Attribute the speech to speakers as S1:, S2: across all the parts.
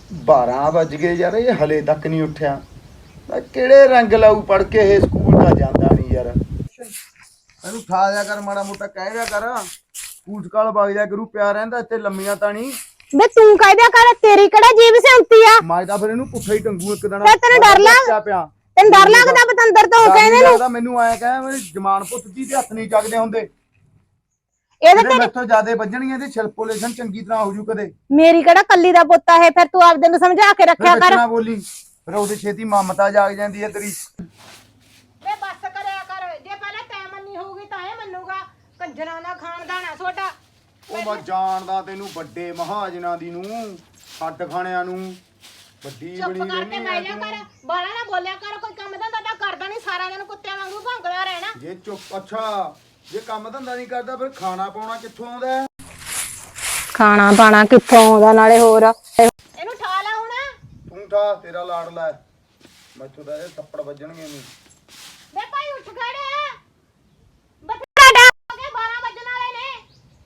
S1: 12 ਵੱਜ ਗਏ ਯਾਰ, ਇਹ ਹਲੇ ਤੱਕ ਨਹੀਂ ਉੱਠਿਆ। ਮੈਂ ਕਿਹੜੇ ਰੰਗ ਲਾਊ ਪੜ ਕੇ, ਇਹ ਸਕੂਲ ਤਾਂ ਜਾਂਦਾ ਨਹੀਂ ਯਾਰ। ਇਹਨੂੰ ਠਾ ਦਿਆ ਕਰ, ਮਾੜਾ ਮੋਟਾ ਕਹਿ ਦਿਆ ਕਰ, ਸਕੂਲ ਸਕਾਲ ਵਗ ਜਾ ਕਰੂ, ਪਿਆ ਰਹਿੰਦਾ ਇੱਥੇ ਲੰਮੀਆਂ ਤਾਂ ਨਹੀਂ।
S2: ਬੇ ਤੂੰ ਕਹਿ ਦਿਆ ਕਰ, ਤੇਰੀ ਕਿਹੜਾ ਜੀਭ ਸਿਉਂਤੀ ਆ।
S1: ਮੈਂ ਤਾਂ ਫਿਰ ਇਹਨੂੰ ਪੁੱਠਾ ਹੀ ਟੰਗੂ ਇੱਕ ਦਿਨ।
S2: ਤੈਨੂੰ ਡਰ
S1: ਪਿਆ
S2: ਤੈਨੂੰ ਡਰ ਲੱਗਦਾ ਬਤੰਦਰ ਤੋਂ ਕਹਿੰਦੇ ਨੂੰ।
S1: ਮੈਨੂੰ ਆਇਆ ਕਹਿ, ਮੇਰੀ ਜਮਾਨ ਪੁੱਤ ਦੀ ਤੇ ਹੱਥ ਨਹੀਂ ਚੱਕਦੇ ਹੁੰਦੇ।
S2: ਇਹਦੇ
S1: ਤੇ ਮੈਥੋਂ ਜ਼ਿਆਦੇ ਵੱਜਣੀਆਂ ਤੇ ਛਿਲਪੋਲੇਸ਼ਨ ਚੰਗੀ ਤਰ੍ਹਾਂ ਹੋ ਜੂ ਕਦੇ।
S2: ਮੇਰੀ ਕਿਹੜਾ ਕੱਲੀ ਦਾ ਪੁੱਤ ਹੈ, ਫਿਰ ਤੂੰ ਆਪਦੇ ਨੂੰ ਸਮਝਾ ਕੇ ਰੱਖਿਆ ਕਰ।
S1: ਨਾ ਬੋਲੀ, ਫਿਰ ਉਹਦੇ ਛੇਤੀ ਮਮਤਾ ਜਾਗ ਜਾਂਦੀ ਹੈ ਤੇਰੀ।
S2: ਵੇ ਬੱਸ ਕਰਿਆ ਕਰ, ਜੇ ਪਹਿਲਾਂ ਤੈਂ ਮੰਨੀ ਹੋਊਗੀ ਤਾਂ ਇਹ ਮੰਨੂਗਾ। ਕੰਜਰਾਂ ਦਾ ਖਾਨਦਾਨ ਆ ਤੁਹਾਡਾ।
S1: ਉਹ ਮੈਂ ਜਾਣਦਾ ਤੈਨੂੰ, ਵੱਡੇ ਮਹਾਜਨਾਂ ਦੀ ਨੂੰ, ਛੱਡ ਖਾਣਿਆਂ ਨੂੰ ਵੱਡੀ ਬਣੀ ਰਹਿੰਦੀ
S2: ਮੈਂ ਜਾ ਕਰ, ਬਾਲਾ ਨਾ ਬੋਲਿਆ ਕਰ। ਕੋਈ ਕੰਮ ਧੰਦਾ ਤਾਂ ਕਰਦਾ ਨਹੀਂ, ਸਾਰਾ ਦਿਨ ਕੁੱਤਿਆਂ ਵਾਂਗੂ ਭੌਂਕਦਾ ਰਹਿਣਾ।
S1: ਜੇ ਚੁੱਪ, ਅੱਛਾ ਜੇ ਕੰਮ ਧੰਦਾ ਨਹੀਂ ਕਰਦਾ ਫਿਰ ਖਾਣਾ ਪਾਉਣਾ ਕਿੱਥੋਂ ਆਉਂਦਾ?
S2: ਖਾਣਾ ਪਾਣਾ ਕਿੱਥੋਂ ਆਉਂਦਾ, ਨਾਲੇ ਹੋਰ ਇਹਨੂੰ ਠਾ ਲੈ ਹੁਣ।
S1: ਤੂੰ ਠਾ, ਤੇਰਾ ਲਾੜ ਲੈ, ਮੈਥੋਂ ਤਾਂ ਇਹ ਥੱਪੜ ਵੱਜਣਗੇ ਨਹੀਂ।
S2: ਵੇ ਭਾਈ ਉੱਠ ਖੜੇ, ਬਥੇਰਾ ਡਾ ਹੋ ਗਏ, 12 ਵੱਜਣ ਵਾਲੇ ਨੇ।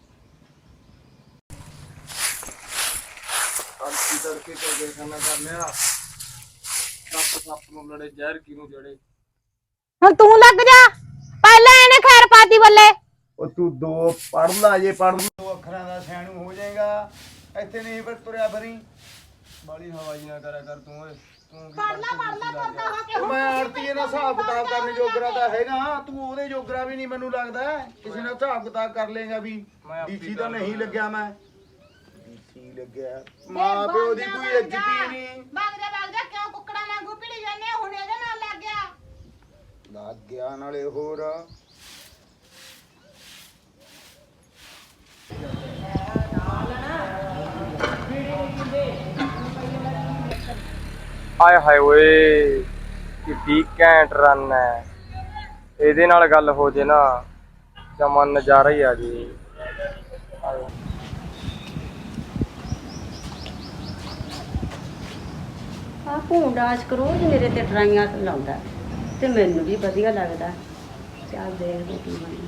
S1: ਅੰਤੀ ਤੜਕੇ ਤੋਂ ਕੇ ਖਾਣਾ ਕਰਨਿਆ, ਸੱਪ ਨੂੰ ਲੜੇ, ਜ਼ਹਿਰ ਕਿਨੂੰ ਜੜੇ।
S2: ਹੁਣ ਤੂੰ ਲੱਗ ਜਾ, ਪਹਿਲਾਂ ਇਹਨੇ ਖੈਰ ਪਾਤੀ ਬੱਲੇ।
S1: ਉਹ ਤੂੰ ਦੋ ਪੜ ਲਾ, ਜੇ ਪੜ ਦੋ ਅੱਖਰਾਂ ਦਾ ਸਿਆਣੂ ਹੋ ਜਾਏਗਾ। ਇੱਥੇ ਨਹੀਂ ਫਿਰ ਤੁਰਿਆ ਫਿਰੀ, ਬਾਲੀ ਹਵਾਈ ਨਾ ਕਰਿਆ ਕਰ ਤੂੰ। ਓਏ ਤੂੰ
S2: ਪੜ ਲਾ ਤੁਰਦਾ ਹੋ ਕੇ।
S1: ਮੈਂ ਆੜਤੀਏ ਨਾਲ ਹਿਸਾਬ ਕਿਤਾਬ ਕਰਨ ਜੋਗਰਾ ਤਾਂ ਹੈਗਾ, ਤੂੰ ਉਹਦੇ ਜੋਗਰਾ ਵੀ ਨਹੀਂ ਮੈਨੂੰ ਲੱਗਦਾ। ਕਿਸੇ ਨਾਲ ਹਿਸਾਬ ਕਿਤਾਬ ਕਰ ਲੇਗਾ ਵੀ। ਡੀਸੀ ਤਾਂ ਨਹੀਂ ਲੱਗਿਆ ਮੈਂ, ਡੀਸੀ ਲੱਗਿਆ। ਮਾਂ ਪਿਓ ਦੀ ਕੋਈ ਇੱਜ਼ਤ ਹੀ ਨਹੀਂ।
S2: ਵਗ ਜਾ ਕਿਉਂ ਕੁੱਕੜਾਂ ਵਾਂਗੂ ਭਿੜੀ ਜਾਂਦੇ, ਹੁਣ ਇਹਦੇ ਨਾਲ ਲੱਗ ਗਿਆ।
S1: ਲੱਗ ਗਿਆ ਨਾਲੇ ਹੋਰ।
S3: ਹਾਏ ਹਾਏ ਓਏ, ਕਿੱਡੀ ਘੈਂਟ ਰਨ ਹੈ। ਇਹਦੇ ਨਾਲ ਗੱਲ ਹੋ ਜੇ ਨਾ, ਜਮਾ ਨਜ਼ਾਰਾ ਹੀ ਆ ਜੀ।
S4: ਆ ਭੂੰਡਾਸ ਰੋਜ਼ ਮੇਰੇ ਤੇ ਡਰਾਈਆਂ ਲਾਉਂਦਾ ਤੇ ਮੈਨੂੰ ਵੀ ਵਧੀਆ ਲੱਗਦਾ। ਚੱਲ ਦੇਖਦੇ ਕੀ ਬਣਦਾ।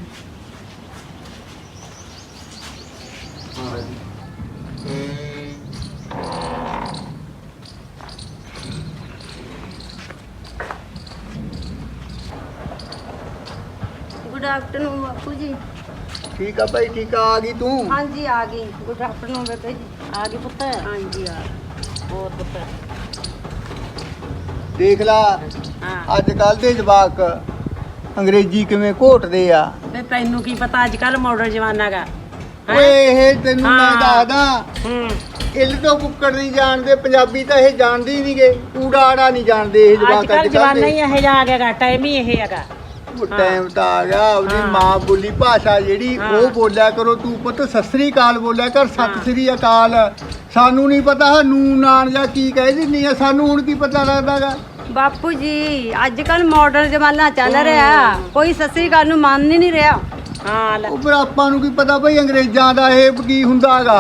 S4: ਗੁੱਡ ਆਫਟਰਨੂਨ ਬਾਪੂ ਜੀ।
S1: ਠੀਕ ਆ ਭਾਈ, ਠੀਕ ਆ। ਆ ਗਈ ਤੂੰ?
S4: ਹਾਂਜੀ ਆ ਗਈ। ਗੁੱਡ ਆਫਟਰਨੂਨ ਬੇਬੇ ਜੀ। ਆ ਗਈ ਪੁੱਤ? ਹਾਂਜੀ ਆ। ਹੋਰ ਪੁੱਤ
S1: ਦੇਖ ਲਾ
S4: ਹਾਂ।
S1: ਅੱਜ ਕੱਲ ਦੇ ਜਵਾਕ ਅੰਗਰੇਜ਼ੀ ਕਿਵੇਂ ਘੋਟਦੇ ਆ।
S4: ਵੇ ਤੈਨੂੰ ਕੀ ਪਤਾ, ਅੱਜ ਕੱਲ ਮਾਡਰਨ ਜ਼ਮਾਨਾ ਗਾ।
S1: ਓਏ ਇਹ ਤੈਨੂੰ ਮੈਂ ਦੱਸਦਾ,
S4: ਹੂੰ।
S1: ਇੱਲ ਤੋਂ ਕੁੱਕੜ ਨਹੀਂ ਜਾਣਦੇ, ਪੰਜਾਬੀ ਤਾਂ ਇਹ ਜਾਣਦੇ ਹੀ ਨਹੀਂਗੇ, ਊੜਾ ਆੜਾ ਨਹੀਂ ਜਾਣਦੇ ਇਹ ਜਵਾਕ।
S4: ਅੱਜ ਕੱਲ ਜ਼ਮਾਨਾ ਹੀ ਇਹੋ ਜਿਹਾ ਆ ਗਿਆ, ਟਾਈਮ ਹੀ ਇਹ ਹੈਗਾ।
S1: ਟਾਈਮ ਤਾਂ ਆ ਗਿਆ, ਉਹਦੀ ਮਾਂ ਬੋਲੀ ਭਾਸ਼ਾ ਜਿਹੜੀ ਉਹ ਬੋਲਿਆ ਕਰੋ। ਤੂੰ ਪੁੱਤ ਸਤਿ ਸ੍ਰੀ ਅਕਾਲ ਬੋਲਿਆ ਕਰ, ਸਤਿ ਸ੍ਰੀ ਅਕਾਲ। ਸਾਨੂੰ ਨਹੀਂ ਪਤਾ ਨੂਨ ਨਾਨ ਜਾਂ ਕੀ ਕਹਿ ਦਿੰਦੀ ਆ, ਸਾਨੂੰ ਹੁਣ ਕੀ ਪਤਾ ਲੱਗਦਾਗਾ।
S4: ਬਾਪੂ ਜੀ ਅੱਜ ਕੱਲ ਮਾਡਰਨ ਜ਼ਮਾਨਾ ਚੱਲ ਰਿਹਾ, ਕੋਈ ਸਤਿ ਸ੍ਰੀ ਅਕਾਲ ਨੂੰ ਮੰਨ ਹੀ ਨਹੀਂ ਰਿਹਾ। ਹਾਂ
S1: ਉਹ ਫਿਰ ਆਪਾਂ ਨੂੰ ਕੀ ਪਤਾ ਭਾਈ ਅੰਗਰੇਜ਼ਾਂ ਦਾ ਇਹ ਕੀ ਹੁੰਦਾਗਾ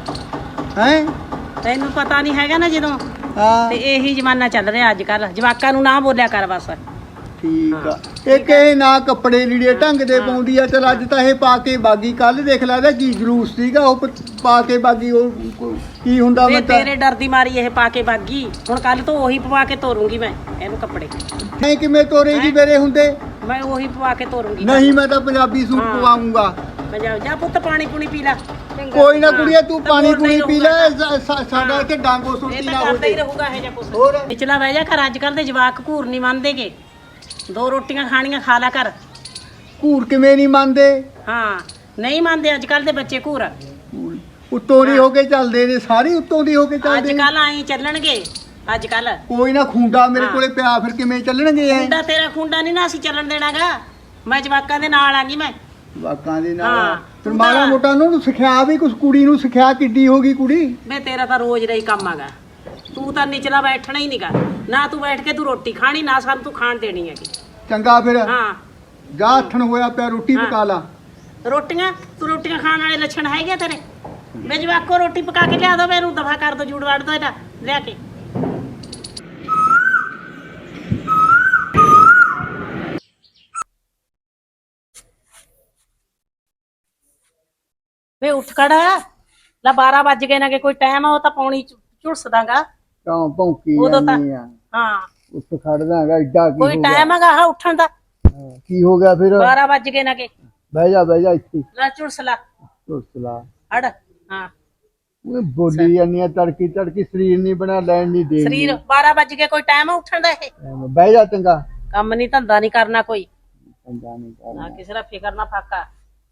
S1: ਹੈ।
S4: ਤੈਨੂੰ ਪਤਾ ਨਹੀਂ ਹੈਗਾ ਨਾ ਜਦੋਂ।
S1: ਹਾਂ
S4: ਤੇ ਇਹੀ ਜ਼ਮਾਨਾ ਚੱਲ ਰਿਹਾ ਅੱਜ ਕੱਲ। ਜਵਾਕਾਂ ਨੂੰ ਨਾ ਬੋਲਿਆ ਕਰ ਬਸ।
S1: ਠੀਕ ਆ। ਇੱਕ ਇਹ ਨਾ ਕੱਪੜੇ ਲੀੜੇ ਢੰਗ ਦੇ ਪਾਉਂਦੀ ਆ। ਚਲ ਅੱਜ ਤਾਂ ਇਹ ਪਾ ਕੇ ਬਾਗੀ, ਕੱਲ ਦੇਖ ਲਾ ਕੀ ਜਲੂਸ ਸੀਗਾ ਉਹ ਪਾ ਕੇ ਬਾਗੀ। ਉਹ ਕੀ ਹੁੰਦਾ
S4: ਤੇ
S1: ਮੈਂ ਤਾਂ
S4: ਤੇਰੇ ਡਰ ਦੀ ਮਾਰੀ ਇਹ ਪਾ ਕੇ ਬਾਗੀ। ਹੁਣ ਕੱਲ ਤੋਂ ਉਹੀ ਪਵਾ ਕੇ ਤੋਰੂੰਗੀ ਮੈਂ ਇਹਨੂੰ ਕੱਪੜੇ।
S1: ਨਹੀਂ ਕਿਵੇਂ ਤੋਰੇਗੀ ਮੇਰੇ ਹੁੰਦੇ?
S4: ਮੈਂ ਉਹੀ ਪਵਾ ਕੇ ਤੋਰੂੰਗੀ।
S1: ਨਹੀਂ ਮੈਂ ਤਾਂ ਪੰਜਾਬੀ ਸੂਟ ਪਵਾਉਂਗਾ।
S4: ਮੈਂ ਜਾ ਪੁੱਤ ਪਾਣੀ ਪੂਣੀ ਪੀ ਲੈ।
S1: ਕੋਈ ਨਾ ਕੁੜੀਏ ਤੂੰ ਪਾਣੀ ਪੂਣੀ ਪੀ ਲੈ, ਸਾਡਾ ਇੱਥੇ ਡਾਂਗੋ ਸੁੱਟੀ
S4: ਇਹ
S1: ਨਾ
S4: ਤਾਂ
S1: ਹੋ
S4: ਕਰਦਾ ਹੀ
S1: ਜੇ।
S4: ਰਹੂਗਾ ਇਹ ਜਾਂ ਕੁਛ।
S1: ਹੋਰ
S4: ਪਿਛਲਾ ਬਹਿ ਜਾ ਕਰ। ਅੱਜ ਕੱਲ ਦੇ ਜਵਾਕ ਘੂਰ ਨਹੀਂ ਮੰਨਦੇਗੇ। 2 ਰੋਟੀਆਂ ਖਾਣੀਆਂ ਖਾ ਲਿਆ ਕਰ।
S1: ਘੂਰ ਕਿਵੇਂ ਨਹੀਂ ਮੰਨਦੇ?
S4: ਹਾਂ ਨਹੀਂ ਮੰਨਦੇ ਅੱਜ ਕੱਲ ਦੇ ਬੱਚੇ ਘੂਰ।
S1: ਉੱਤੋਂ ਦੀ ਹੋ ਕੇ ਚੱਲਦੇ ਨੇ, ਸਾਰੇ ਉੱਤੋਂ ਦੀ ਹੋ ਕੇ
S4: ਅੱਜ
S1: ਚੱਲਦੇ ਨੇ।
S4: ਕੱਲ ਆਈ ਚੱਲਣਗੇ ਅੱਜ ਕੱਲ।
S1: ਕੋਈ ਨਾ ਖੁੰਡਾ ਮੇਰੇ ਕੋਲੇ ਪਿਆ, ਫਿਰ ਕਿਵੇਂ ਚੱਲਣਗੇ ਐ?
S4: ਖੁੰਡਾ ਤੇਰਾ ਖੁੰਡਾ ਨਹੀਂ ਨਾ ਅਸੀਂ ਚੱਲਣ ਦੇਣਾਗਾ। ਮੈਂ ਜਵਾਕਾਂ ਦੇ ਨਾਲ ਆਂਗੀ ਮੈਂ।
S1: ਵਾਕਾਂ ਦੇ
S4: ਹਾਂ।
S1: ਨਾਲ ਫਿਰ ਮਾੜਾ ਮੋਟਾ ਉਹਨੂੰ ਸਿਖਿਆ ਵੀ ਕੁਛ। ਕੁੜੀ ਨੂੰ ਸਿਖਿਆ ਕਿੱਡੀ ਹੋ ਗਈ ਕੁੜੀ।
S4: ਮੈਂ ਤੇਰਾ ਤਾਂ ਰੋਜ਼ ਦਾ ਹੀ ਕੰਮ ਆਗਾ। ਤੂੰ ਤਾਂ ਨਿਚਲਾ ਬੈਠਣਾ ਹੀ ਨਹੀਂਗਾ ਨਾ। ਤੂੰ ਬੈਠ ਕੇ ਤੂੰ ਰੋਟੀ ਖਾਣੀ ਨਾ ਸਾਨੂੰ ਤੂੰ ਖਾਣ ਦੇਣੀ ਹੈਗੀ।
S1: ਚੰਗਾ ਫਿਰ
S4: ਹਾਂ
S1: ਜਾ ਹੱਥਣ ਹੋਇਆ ਪਿਆ, ਰੋਟੀ ਪਕਾ ਲਾ।
S4: ਰੋਟੀਆਂ ਤੂੰ ਰੋਟੀਆਂ ਖਾਣ ਵਾਲੇ ਲੱਛਣ ਹੈਗੇ ਤੇਰੇ। ਮੈਂ ਜਵਾਕੋ ਰੋਟੀ ਪਕਾ ਕੇ ਲਿਆ ਦੋ, ਮੈਨੂੰ ਦਫਾ ਕਰ ਦੋ, ਜੂੜ ਵੜ ਦੋ ਇਹਦਾ ਲਿਆ ਕੇ। ਵੇ ਉੱਠ ਖੜਾ ਲੈ। 12 ਵੱਜ ਗਏ ਨਾ, ਕਿ ਕੋਈ ਟਾਈਮ ਆ ਉਹ ਤਾਂ ਪੌਣੀ ਝੁਲਸਦਾਗਾ।
S1: ਤਾਂ ਭੌਂਕੀ
S5: ਉਦੋਂ ਤਾਂ
S1: ਜਾਂਦੀ ਆ
S5: ਹਾਂ
S1: ਉੱਠ ਖੜਦਾ ਹੈਗਾ ਏਡਾ ਕੀ
S5: ਕੋਈ
S1: ਹੋ ਗਿਆ
S5: ਟਾਈਮ ਹੈਗਾ ਆਹ ਉੱਠਣ ਦਾ
S1: ਕੀ ਹੋ ਗਿਆ ਫਿਰ
S5: 12 ਵੱਜ ਗਏ ਨਾ ਕਿ
S1: ਬਹਿ ਜਾ ਇੱਥੇ
S5: ਲੈ ਝੁਲਸਲਾ
S1: ਝੁਲਸਲਾ
S5: ਹੜ ਹਾਂ
S1: ਉਹ ਬੋਲੀ ਜਾਂਦੀ ਆ ਤੜਕੀ ਸਰੀਰ ਨਹੀਂ ਬਣਾ ਲੈਣ ਨਹੀਂ ਦੇ
S5: ਸਰੀਰ 12 ਵੱਜ ਗਏ ਕੋਈ ਟਾਈਮ ਉੱਠਣ ਦਾ ਇਹ
S1: ਬਹਿ ਜਾ ਚੰਗਾ
S5: ਕੰਮ ਨਹੀਂ ਧੰਦਾ ਨਹੀਂ ਕਰਨਾ ਕੋਈ
S1: ਚੰਗਾ ਨਹੀਂ
S5: ਨਾ ਕਿਸੇ ਦਾ ਫਿਕਰ ਨਾ ਫਾਕਾ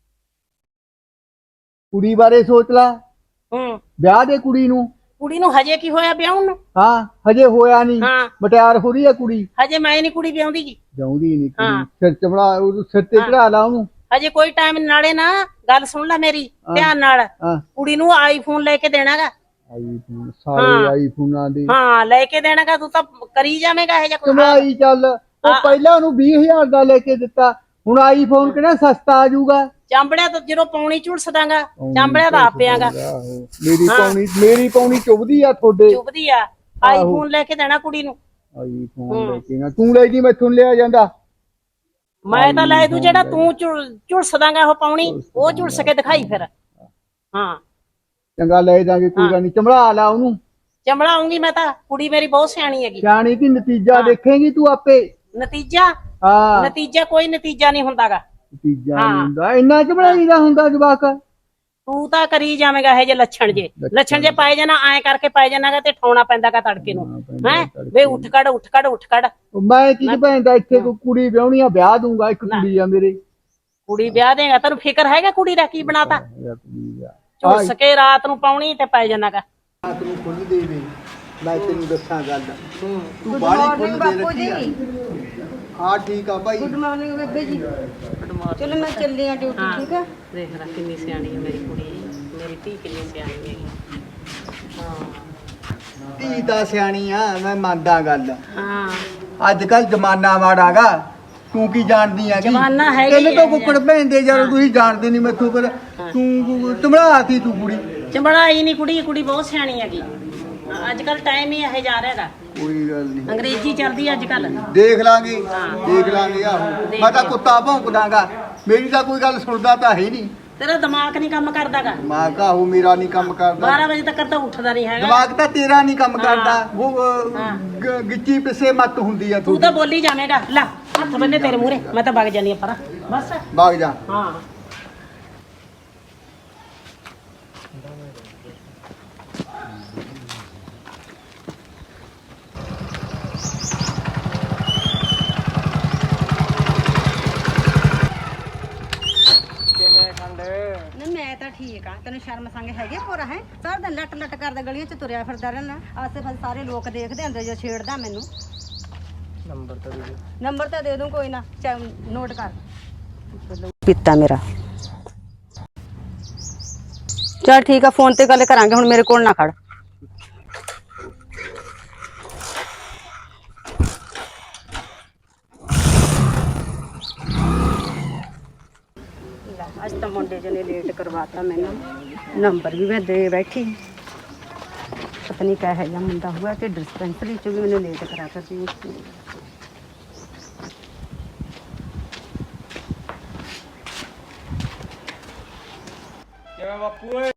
S1: ਕੁੜੀ ਬਾਰੇ ਸੋਚ ਲਾ
S5: ਹੂੰ
S1: ਵਿਆਹ ਦੇ ਕੁੜੀ ਨੂੰ
S5: ਹਜੇ ਕੀ ਹੋਇਆ ਵਿਆਹਣ ਨੂੰ
S1: ਹਾਂ ਹਜੇ ਹੋਇਆ ਨਹੀਂ
S5: ਹਾਂ
S1: ਮਟਿਆਰ ਹੋ ਰਹੀ ਹੈ ਕੁੜੀ
S5: ਹਜੇ ਮੈਂ ਨਹੀਂ ਕੁੜੀ ਵਿਆਹੁੰਦੀ ਜੀ
S1: ਜਾਉਂਦੀ ਨਹੀਂ
S5: ਹਾਂ।
S1: ਕੁੜੀ ਸਿਰ ਚਬੜਾ ਉਹਨੂੰ ਸਿਰ ਤੇ ਚੜਾ ਲਾ ਉਹਨੂੰ
S5: ਹਜੇ ਕੋਈ ਟਾਈਮ ਨਾਲੇ ਨਾ ਗੱਲ ਸੁਣ ਲੈ ਮੇਰੀ ਧਿਆਨ ਨਾਲ
S1: ਹਾਂ
S5: ਕੁੜੀ ਨੂੰ ਆਈਫੋਨ ਲੈ ਕੇ ਦੇਣਾਗਾ
S1: ਆਈਫੋਨ ਸਾਰੇ ਆਈਫੋਨਾਂ ਦੇ
S5: ਹਾਂ ਲੈ ਕੇ ਦੇਣਾਗਾ ਤੂੰ ਤਾਂ ਕਰੀ ਜਾਵੇਂਗਾ ਇਹ ਜਿਹਾ ਕੁਛ।
S1: ਕਮਾਈ ਚੱਲ ਉਹ ਪਹਿਲਾਂ ਉਹਨੂੰ 20000 ਦਾ ਲੈ ਕੇ ਦਿੱਤਾ ਹੁਣ ਆਈਫੋਨ ਕਿਹੜਾ ਸਸਤਾ ਆ ਜਾਊਗਾ
S5: ਚਾਂਬੜਿਆ ਤਾਂ ਜਦੋਂ ਪੌਣੀ ਝੁਲਸਦਾਗਾ ਚਾਂਬੜਿਆ ਤਾਂ ਆਪਿਆਗਾ
S1: ਮੇਰੀ ਪੌਣੀ ਚੁਬਦੀ ਆ ਤੁਹਾਡੇ
S5: ਚੁੱਪਦੀ ਆ ਆਈਫੋਨ ਲੈ ਕੇ ਦੇਣਾ ਕੁੜੀ ਨੂੰ
S1: ਆਈਫੋਨ ਲੈ ਕੇ ਨਾ ਤੂੰ ਲੈ ਜੀ ਮੈਥੋਂ ਲਿਆ ਜਾਂਦਾ
S5: ਮੈਂ ਤਾਂ ਲੈ ਦੂੰ ਜਿਹੜਾ ਤੂੰ ਝੁਲਸਦਾਗਾ ਉਹ ਪੌਣੀ ਉਹ ਝੁਲਸ ਕੇ ਦਿਖਾਈ ਫਿਰ ਹਾਂ
S1: ਚੰਗਾ ਲੈ ਦਾਂਗੇ ਕੋਈ ਗੱਲ ਨਹੀਂ ਚਮੜਾ ਲਾ ਉਹਨੂੰ
S5: ਚਮੜਾਉਂਗੀ ਮੈਂ ਤਾਂ ਕੁੜੀ ਮੇਰੀ ਬਹੁਤ ਸਿਆਣੀ ਹੈਗੀ
S1: ਸਿਆਣੀ ਦੀ ਨਤੀਜਾ ਦੇਖੇਂਗੀ ਤੂੰ ਆਪੇ
S5: ਨਤੀਜਾ
S1: ਹਾਂ
S5: ਨਤੀਜਾ ਕੋਈ ਨਤੀਜਾ ਨਹੀਂ ਹੁੰਦਾਗਾ
S1: ਨਤੀਜਾ ਨਹੀਂ ਹੁੰਦਾ ਇੰਨਾ ਚਮੜਾਈ ਦਾ ਹੁੰਦਾ ਜਵਾਕ
S5: ਤੂੰ ਤਾਂ ਕਰੀ ਜਾਵੇਂਗਾ ਇਹ ਜੇ ਲੱਛਣ ਜੇ ਪਾਏ ਜਾਣਾ ਐ ਕਰਕੇ ਪਾਏ ਜਾਣਾਗਾ ਤੇ ਠਾਉਣਾ ਪੈਂਦਾਗਾ ਤੜਕੇ ਨੂੰ ਹੈ ਵੇ ਉੱਠ ਕੱਢ
S1: ਮੈਂ ਕੀ ਭੈਣਦਾ ਇੱਥੇ ਕੋਈ ਕੁੜੀ ਵਿਆਹਣੀ ਆ ਵਿਆਹ ਦੂੰਗਾ ਇੱਕ ਕੁੜੀ ਆ ਮੇਰੇ
S5: ਕੁੜੀ ਵਿਆਹ ਦੇਗਾ ਤੈਨੂੰ ਫਿਕਰ ਹੈਗਾ ਕੁੜੀ ਦਾ ਕੀ ਬਣਾਤਾ ਝੁਲਸ ਕੇ ਰਾਤ ਨੂੰ ਪਾਉਣੀ ਤੇ ਪੈ ਜਾਣਾਗਾ
S1: ਰਾਤ ਨੂੰ ਖੁੱਲ ਦੇਵੇ ਮੈਂ ਤੈਨੂੰ ਦੱਸਾਂ ਗੱਲ ਤੂੰ ਬਾਹਲੀ ਖੁੱਲ ਦੇ ਰੱਖੀ ਆ ਹਾਂ ਠੀਕ ਆ ਭਾਈ
S4: ਗੁੱਡ ਮਾਰਨਿੰਗ ਬੇਬੇ ਜੀ ਚਲੋ ਮੈਂ ਚੱਲੀ ਆ ਡਿਊਟੀ ਠੀਕ ਆ
S5: ਦੇਖ ਲੈ ਕਿੰਨੀ ਸਿਆਣੀ ਹੈ ਮੇਰੀ ਕੁੜੀ ਮੇਰੀ ਧੀ ਕਿੰਨੀ ਸਿਆਣੀ ਹੈਗੀ ਹਾਂ
S1: ਧੀ ਤਾਂ ਸਿਆਣੀ ਆ ਮੈਂ ਮੰਨਦਾ ਗੱਲ
S5: ਹਾਂ
S1: ਅੱਜ ਕੱਲ ਜ਼ਮਾਨਾ ਮਾੜਾਗਾ ਤੂੰ ਕੀ ਜਾਣਦੀ ਆ
S5: ਜ਼ਮਾਨਾ ਹੈਗਾ
S1: ਤੈਨੂੰ ਤਾਂ ਕੁੱਕੜ ਭੈਂਦੇ ਯਾਰ ਤੁਸੀਂ ਜਾਣਦੇ ਨਹੀਂ ਮੈਥੋਂ ਪਰ ਤੂੰ ਚਮੜਾਤੀ ਤੂੰ ਕੁੜੀ
S5: ਚੰਬੜਾਈ ਨਹੀਂ ਕੁੜੀ ਬਹੁਤ ਸਿਆਣੀ ਹੈਗੀ ਅੱਜ ਕੱਲ ਟਾਈਮ ਹੀ ਇਹ ਜਾ ਰਿਹਾਗਾ
S1: ਕੋਈ ਗੱਲ ਨਹੀਂ
S5: ਅੰਗਰੇਜ਼ੀ ਚੱਲਦੀ ਅੱਜ ਕੱਲ
S1: ਦੇਖ ਲਾਂਗੇ ਆਹੋ ਮੈਂ ਤਾਂ ਕੁੱਤਾ ਭੌਂਕਦਾਗਾ ਮੇਰੀ ਤਾਂ ਕੋਈ ਗੱਲ ਸੁਣਦਾ ਤਾਂ ਹੈ ਨਹੀਂ
S5: ਤੇਰਾ ਦਿਮਾਗ ਨਹੀਂ ਕੰਮ ਕਰਦਾਗਾ
S1: ਦਿਮਾਗ ਆਹੋ ਮੇਰਾ ਨਹੀਂ ਕੰਮ ਕਰਦਾ
S5: 12 ਵਜੇ ਤੱਕ ਤਾਂ ਉੱਠਦਾ ਨਹੀਂ ਹੈਗਾ
S1: ਦਿਮਾਗ ਤਾਂ ਤੇਰਾ ਨਹੀਂ ਕੰਮ ਕਰਦਾ ਉਹ ਗਿੱਚੀ ਪਿੱਛੇ ਮੱਤ ਹੁੰਦੀ ਆ
S5: ਤੂੰ ਤਾਂ ਬੋਲੀ ਜਾਵੇਂਗਾ ਲੈ ਹੱਥ ਬੰਨੇ ਤੇਰੇ ਮੂਹਰੇ ਮੈਂ ਤਾਂ ਵਗ ਜਾਨੀ ਆ ਪਰਾਂ ਬਸ
S1: ਵਗ ਜਾ
S5: ਹਾਂ
S4: ਨਾ ਮੈਂ ਤਾਂ ਠੀਕ ਆ ਤੈਨੂੰ ਸ਼ਰਮ ਸੰਗ ਹੈਗੇ ਪੂਰਾ ਹੈ ਸਾਰਾ ਦਿਨ ਲੱਟ ਕਰਦਾ ਗਲੀਆਂ ਚ ਤੁਰਿਆ ਫਿਰਦਾ ਰਹਿਣਾ ਆਸੇ ਪਾਸੇ ਸਾਰੇ ਲੋਕ ਦੇਖਦੇ ਹੁੰਦੇ ਜੋ ਛੇੜਦਾ ਮੈਨੂੰ ਨੰਬਰ ਤਾਂ ਦੇ ਦੂੰ ਕੋਈ ਨਾ ਨੋਟ ਕਰ ਪਿੱਤਾ ਮੇਰਾ ਚਲ ਠੀਕ ਆ ਫੋਨ ਤੇ ਗੱਲ ਕਰਾਂਗੇ ਹੁਣ ਮੇਰੇ ਕੋਲ ਨਾ ਖੜ ਅੱਜ ਤਾਂ ਮੁੰਡੇ ਜਨੇ ਲੇਟ ਕਰਵਾਤਾ ਮੈਨੂੰ ਨੰਬਰ ਵੀ ਮੈਂ ਦੇ ਬੈਠੀ ਪਤਾ ਨਹੀਂ ਕਿਹੋ ਜਿਹਾ ਮੁੰਡਾ ਹੋਇਆ ਕਿ ਡਿਸਪੈਂਸਰੀ ਚ ਵੀ ਮੈਨੂੰ ਲੇਟ ਕਰਾਤਾ ਸੀ
S3: ਕਿਵੇਂ ਬਾਪੂ ਓਏ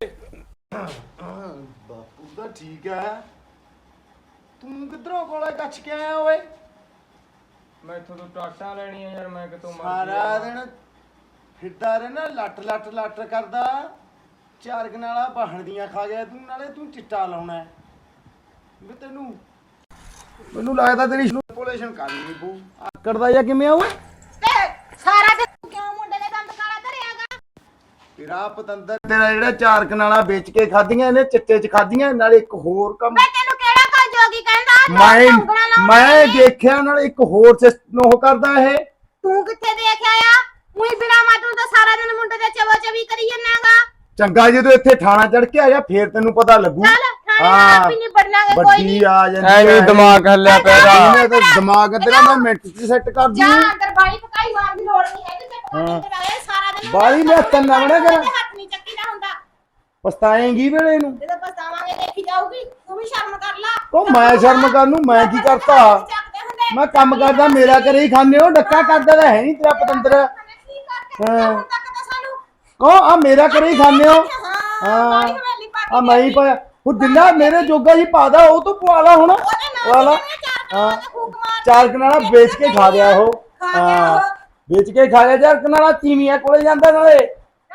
S1: ਬਾਪੂ ਤਾਂ ਠੀਕ ਹੈ ਤੂੰ ਕਿੱਧਰੋਂ ਕੋਲੇ ਕੱਛ ਕੇ ਆਇਆ ਓਏ
S3: ਮੈਂ ਇੱਥੋਂ ਤੋਂ ਟਾਟਾਂ ਲੈਣੀਆਂ ਯਾਰ ਮੈਂ ਕਿਤੋਂ
S1: ਸਾਰਾ ਦਿਨ ਫਿਰਦਾ ਰਹਿਣਾ ਲੱਟ ਕਰਦਾ ਚਾਰ ਕਨਾਲਾ ਬਾਹਣ ਦੀਆਂ ਖਾ ਗਿਆ ਤੂੰ ਨਾਲੇ ਤੂੰ ਚਿੱਟਾ ਲਾਉਣਾ ਵੀ ਤੈਨੂੰ ਮੈਨੂੰ ਲੱਗਦਾ ਤੇਰੀ ਪੋਲੂਸ਼ਨ ਕਰਨੀ ਪਊ ਆਕੜਦਾ ਜਾਂ ਕਿਵੇਂ ਆ ਓਏ
S2: ਤੇ ਸਾਰਾ ਦਿਨ ਕਿਉਂ ਮੁੰਡੇ ਦੇ ਦੰਦ ਕਾਲਾ ਧਰਿਆਗਾ
S1: ਤੇਰਾ ਪਤੰਦਰ ਤੇਰਾ ਜਿਹੜਾ ਚਾਰ ਕਨਾਲਾ ਵੇਚ ਕੇ ਖਾਧੀਆਂ ਇਹਨੇ ਚਿੱਟੇ ਚ ਖਾਧੀਆਂ ਨਾਲੇ ਇੱਕ ਹੋਰ ਕੰਮ
S2: ਮੈਂ ਤੈਨੂੰ ਕਿਹੜਾ ਕਾ ਜੋਗੀ ਕਹਿੰਦਾ
S1: ਮੈਂ ਦੇਖਿਆ ਨਾਲ ਇੱਕ ਹੋਰ ਸਿਸਟਮ ਉਹ ਕਰਦਾ ਇਹ
S2: ਤੂੰ ਕਿੱਥੇ ਦੇਖਿਆ ਆ ਉਹੀ ਬਿਨਾ ਮਾਤੂ ਤਾਂ ਸਾਰਾ ਦਿਨ ਮੁੰਡੇ ਦੇ ਚਵੋ ਚਵੀ ਕਰੀ ਜੰਨਾਗਾ
S1: ਚੰਗਾ ਜਦੋਂ ਇੱਥੇ ਥਾਣਾ ਚੜ ਕੇ ਆਇਆ ਫੇਰ ਤੈਨੂੰ ਪਤਾ ਲੱਗੂ
S2: ਚੱਲ ਥਾਣੇ ਆਪ ਹੀ ਨਹੀਂ ਬੜਨਾਗੇ ਕੋਈ
S1: ਵੱਡੀ
S2: ਨਹੀਂ
S1: ਆ ਜਾਂਦੀ
S3: ਐਵੇਂ ਦਿਮਾਗ ਹੱਲਿਆ ਪਿਆ
S1: ਇਹਨੇ ਤਾਂ ਦਿਮਾਗ ਤੇਰਾ ਮੈਂ ਮਿੰਟ ਚ ਸੈੱਟ ਕਰ ਦੂੰ
S2: ਜਾ ਅੰਦਰ ਬਾਈ ਪਕਾਈ ਮਾਰਨ ਦੀ ਲੋੜ ਨਹੀਂ ਹੈਗੀ ਤੇ ਪਕਾਈ ਤੇ ਲਾਇਆ ਸਾਰਾ ਦਿਨ
S1: ਬਾਹਲੀ ਮੈਂ ਹੱਥਾਂ ਨਾਲ ਨਾ ਕਰਾਂ।
S2: ਹੱਥ ਨਹੀਂ ਚੱਕੀ ਨਾ ਹੁੰਦਾ
S1: ਪਛਤਾਏਂਗੀ ਵੇਲੇ ਨੂੰ
S2: ਜਦੋਂ ਪਛਤਾਵਾਂਗੇ ਦੇਖੀ ਜਾਊਗੀ ਤੂੰ ਵੀ ਸ਼ਰਮ ਕਰ ਲਾ
S1: ਉਹ ਮੈਂ ਸ਼ਰਮ ਕਰ ਨੂੰ ਮੈਂ ਕੀ ਕਰਤਾ
S2: ਚੱਕਦੇ ਹੁੰਦੇ
S1: ਮੈਂ ਕੰਮ ਕਰਦਾ ਮੇਰਾ ਘਰੇ ਹੀ ਖਾਂਦੇ ਹੋ ਡੱਕਾ ਕਰਦਾ ਤਾਂ ਹੈ ਨਹੀਂ ਤੇਰਾ ਪਤੰਦਰ
S2: ਕੀ ਕਰਕੇ ਹੁਣ ਤੱਕ ਤਾਂ ਸਾਨੂੰ
S1: ਕੋ ਆ ਮੇਰਾ ਘਰੇ ਹੀ ਖਾਂਦੇ ਹੋ
S2: ਹਾਂ ਬਾਈ ਹਵੇਲੀ ਪਾ
S1: ਆ ਮੈਂ ਹੀ ਪਾਇਆ ਉਹ ਜਿੰਨਾ ਮੇਰੇ ਜੋਗਾ ਜੀ ਪਾਦਾ ਉਹ ਤੋਂ ਪਵਾ ਲਾ ਹੁਣ ਪਵਾ ਲਾ। ਹਾਂ 4 ਕਨਾਲਾ ਵੇਚ ਕੇ ਖਾ ਗਿਆ ਉਹ। ਹਾਂ ਵੇਚ ਕੇ ਖਾ ਗਿਆ 4 ਕਨਾਲਾ ਤੀਵੀਆਂ ਕੋਲੇ ਜਾਂਦਾ ਨਾਲੇ।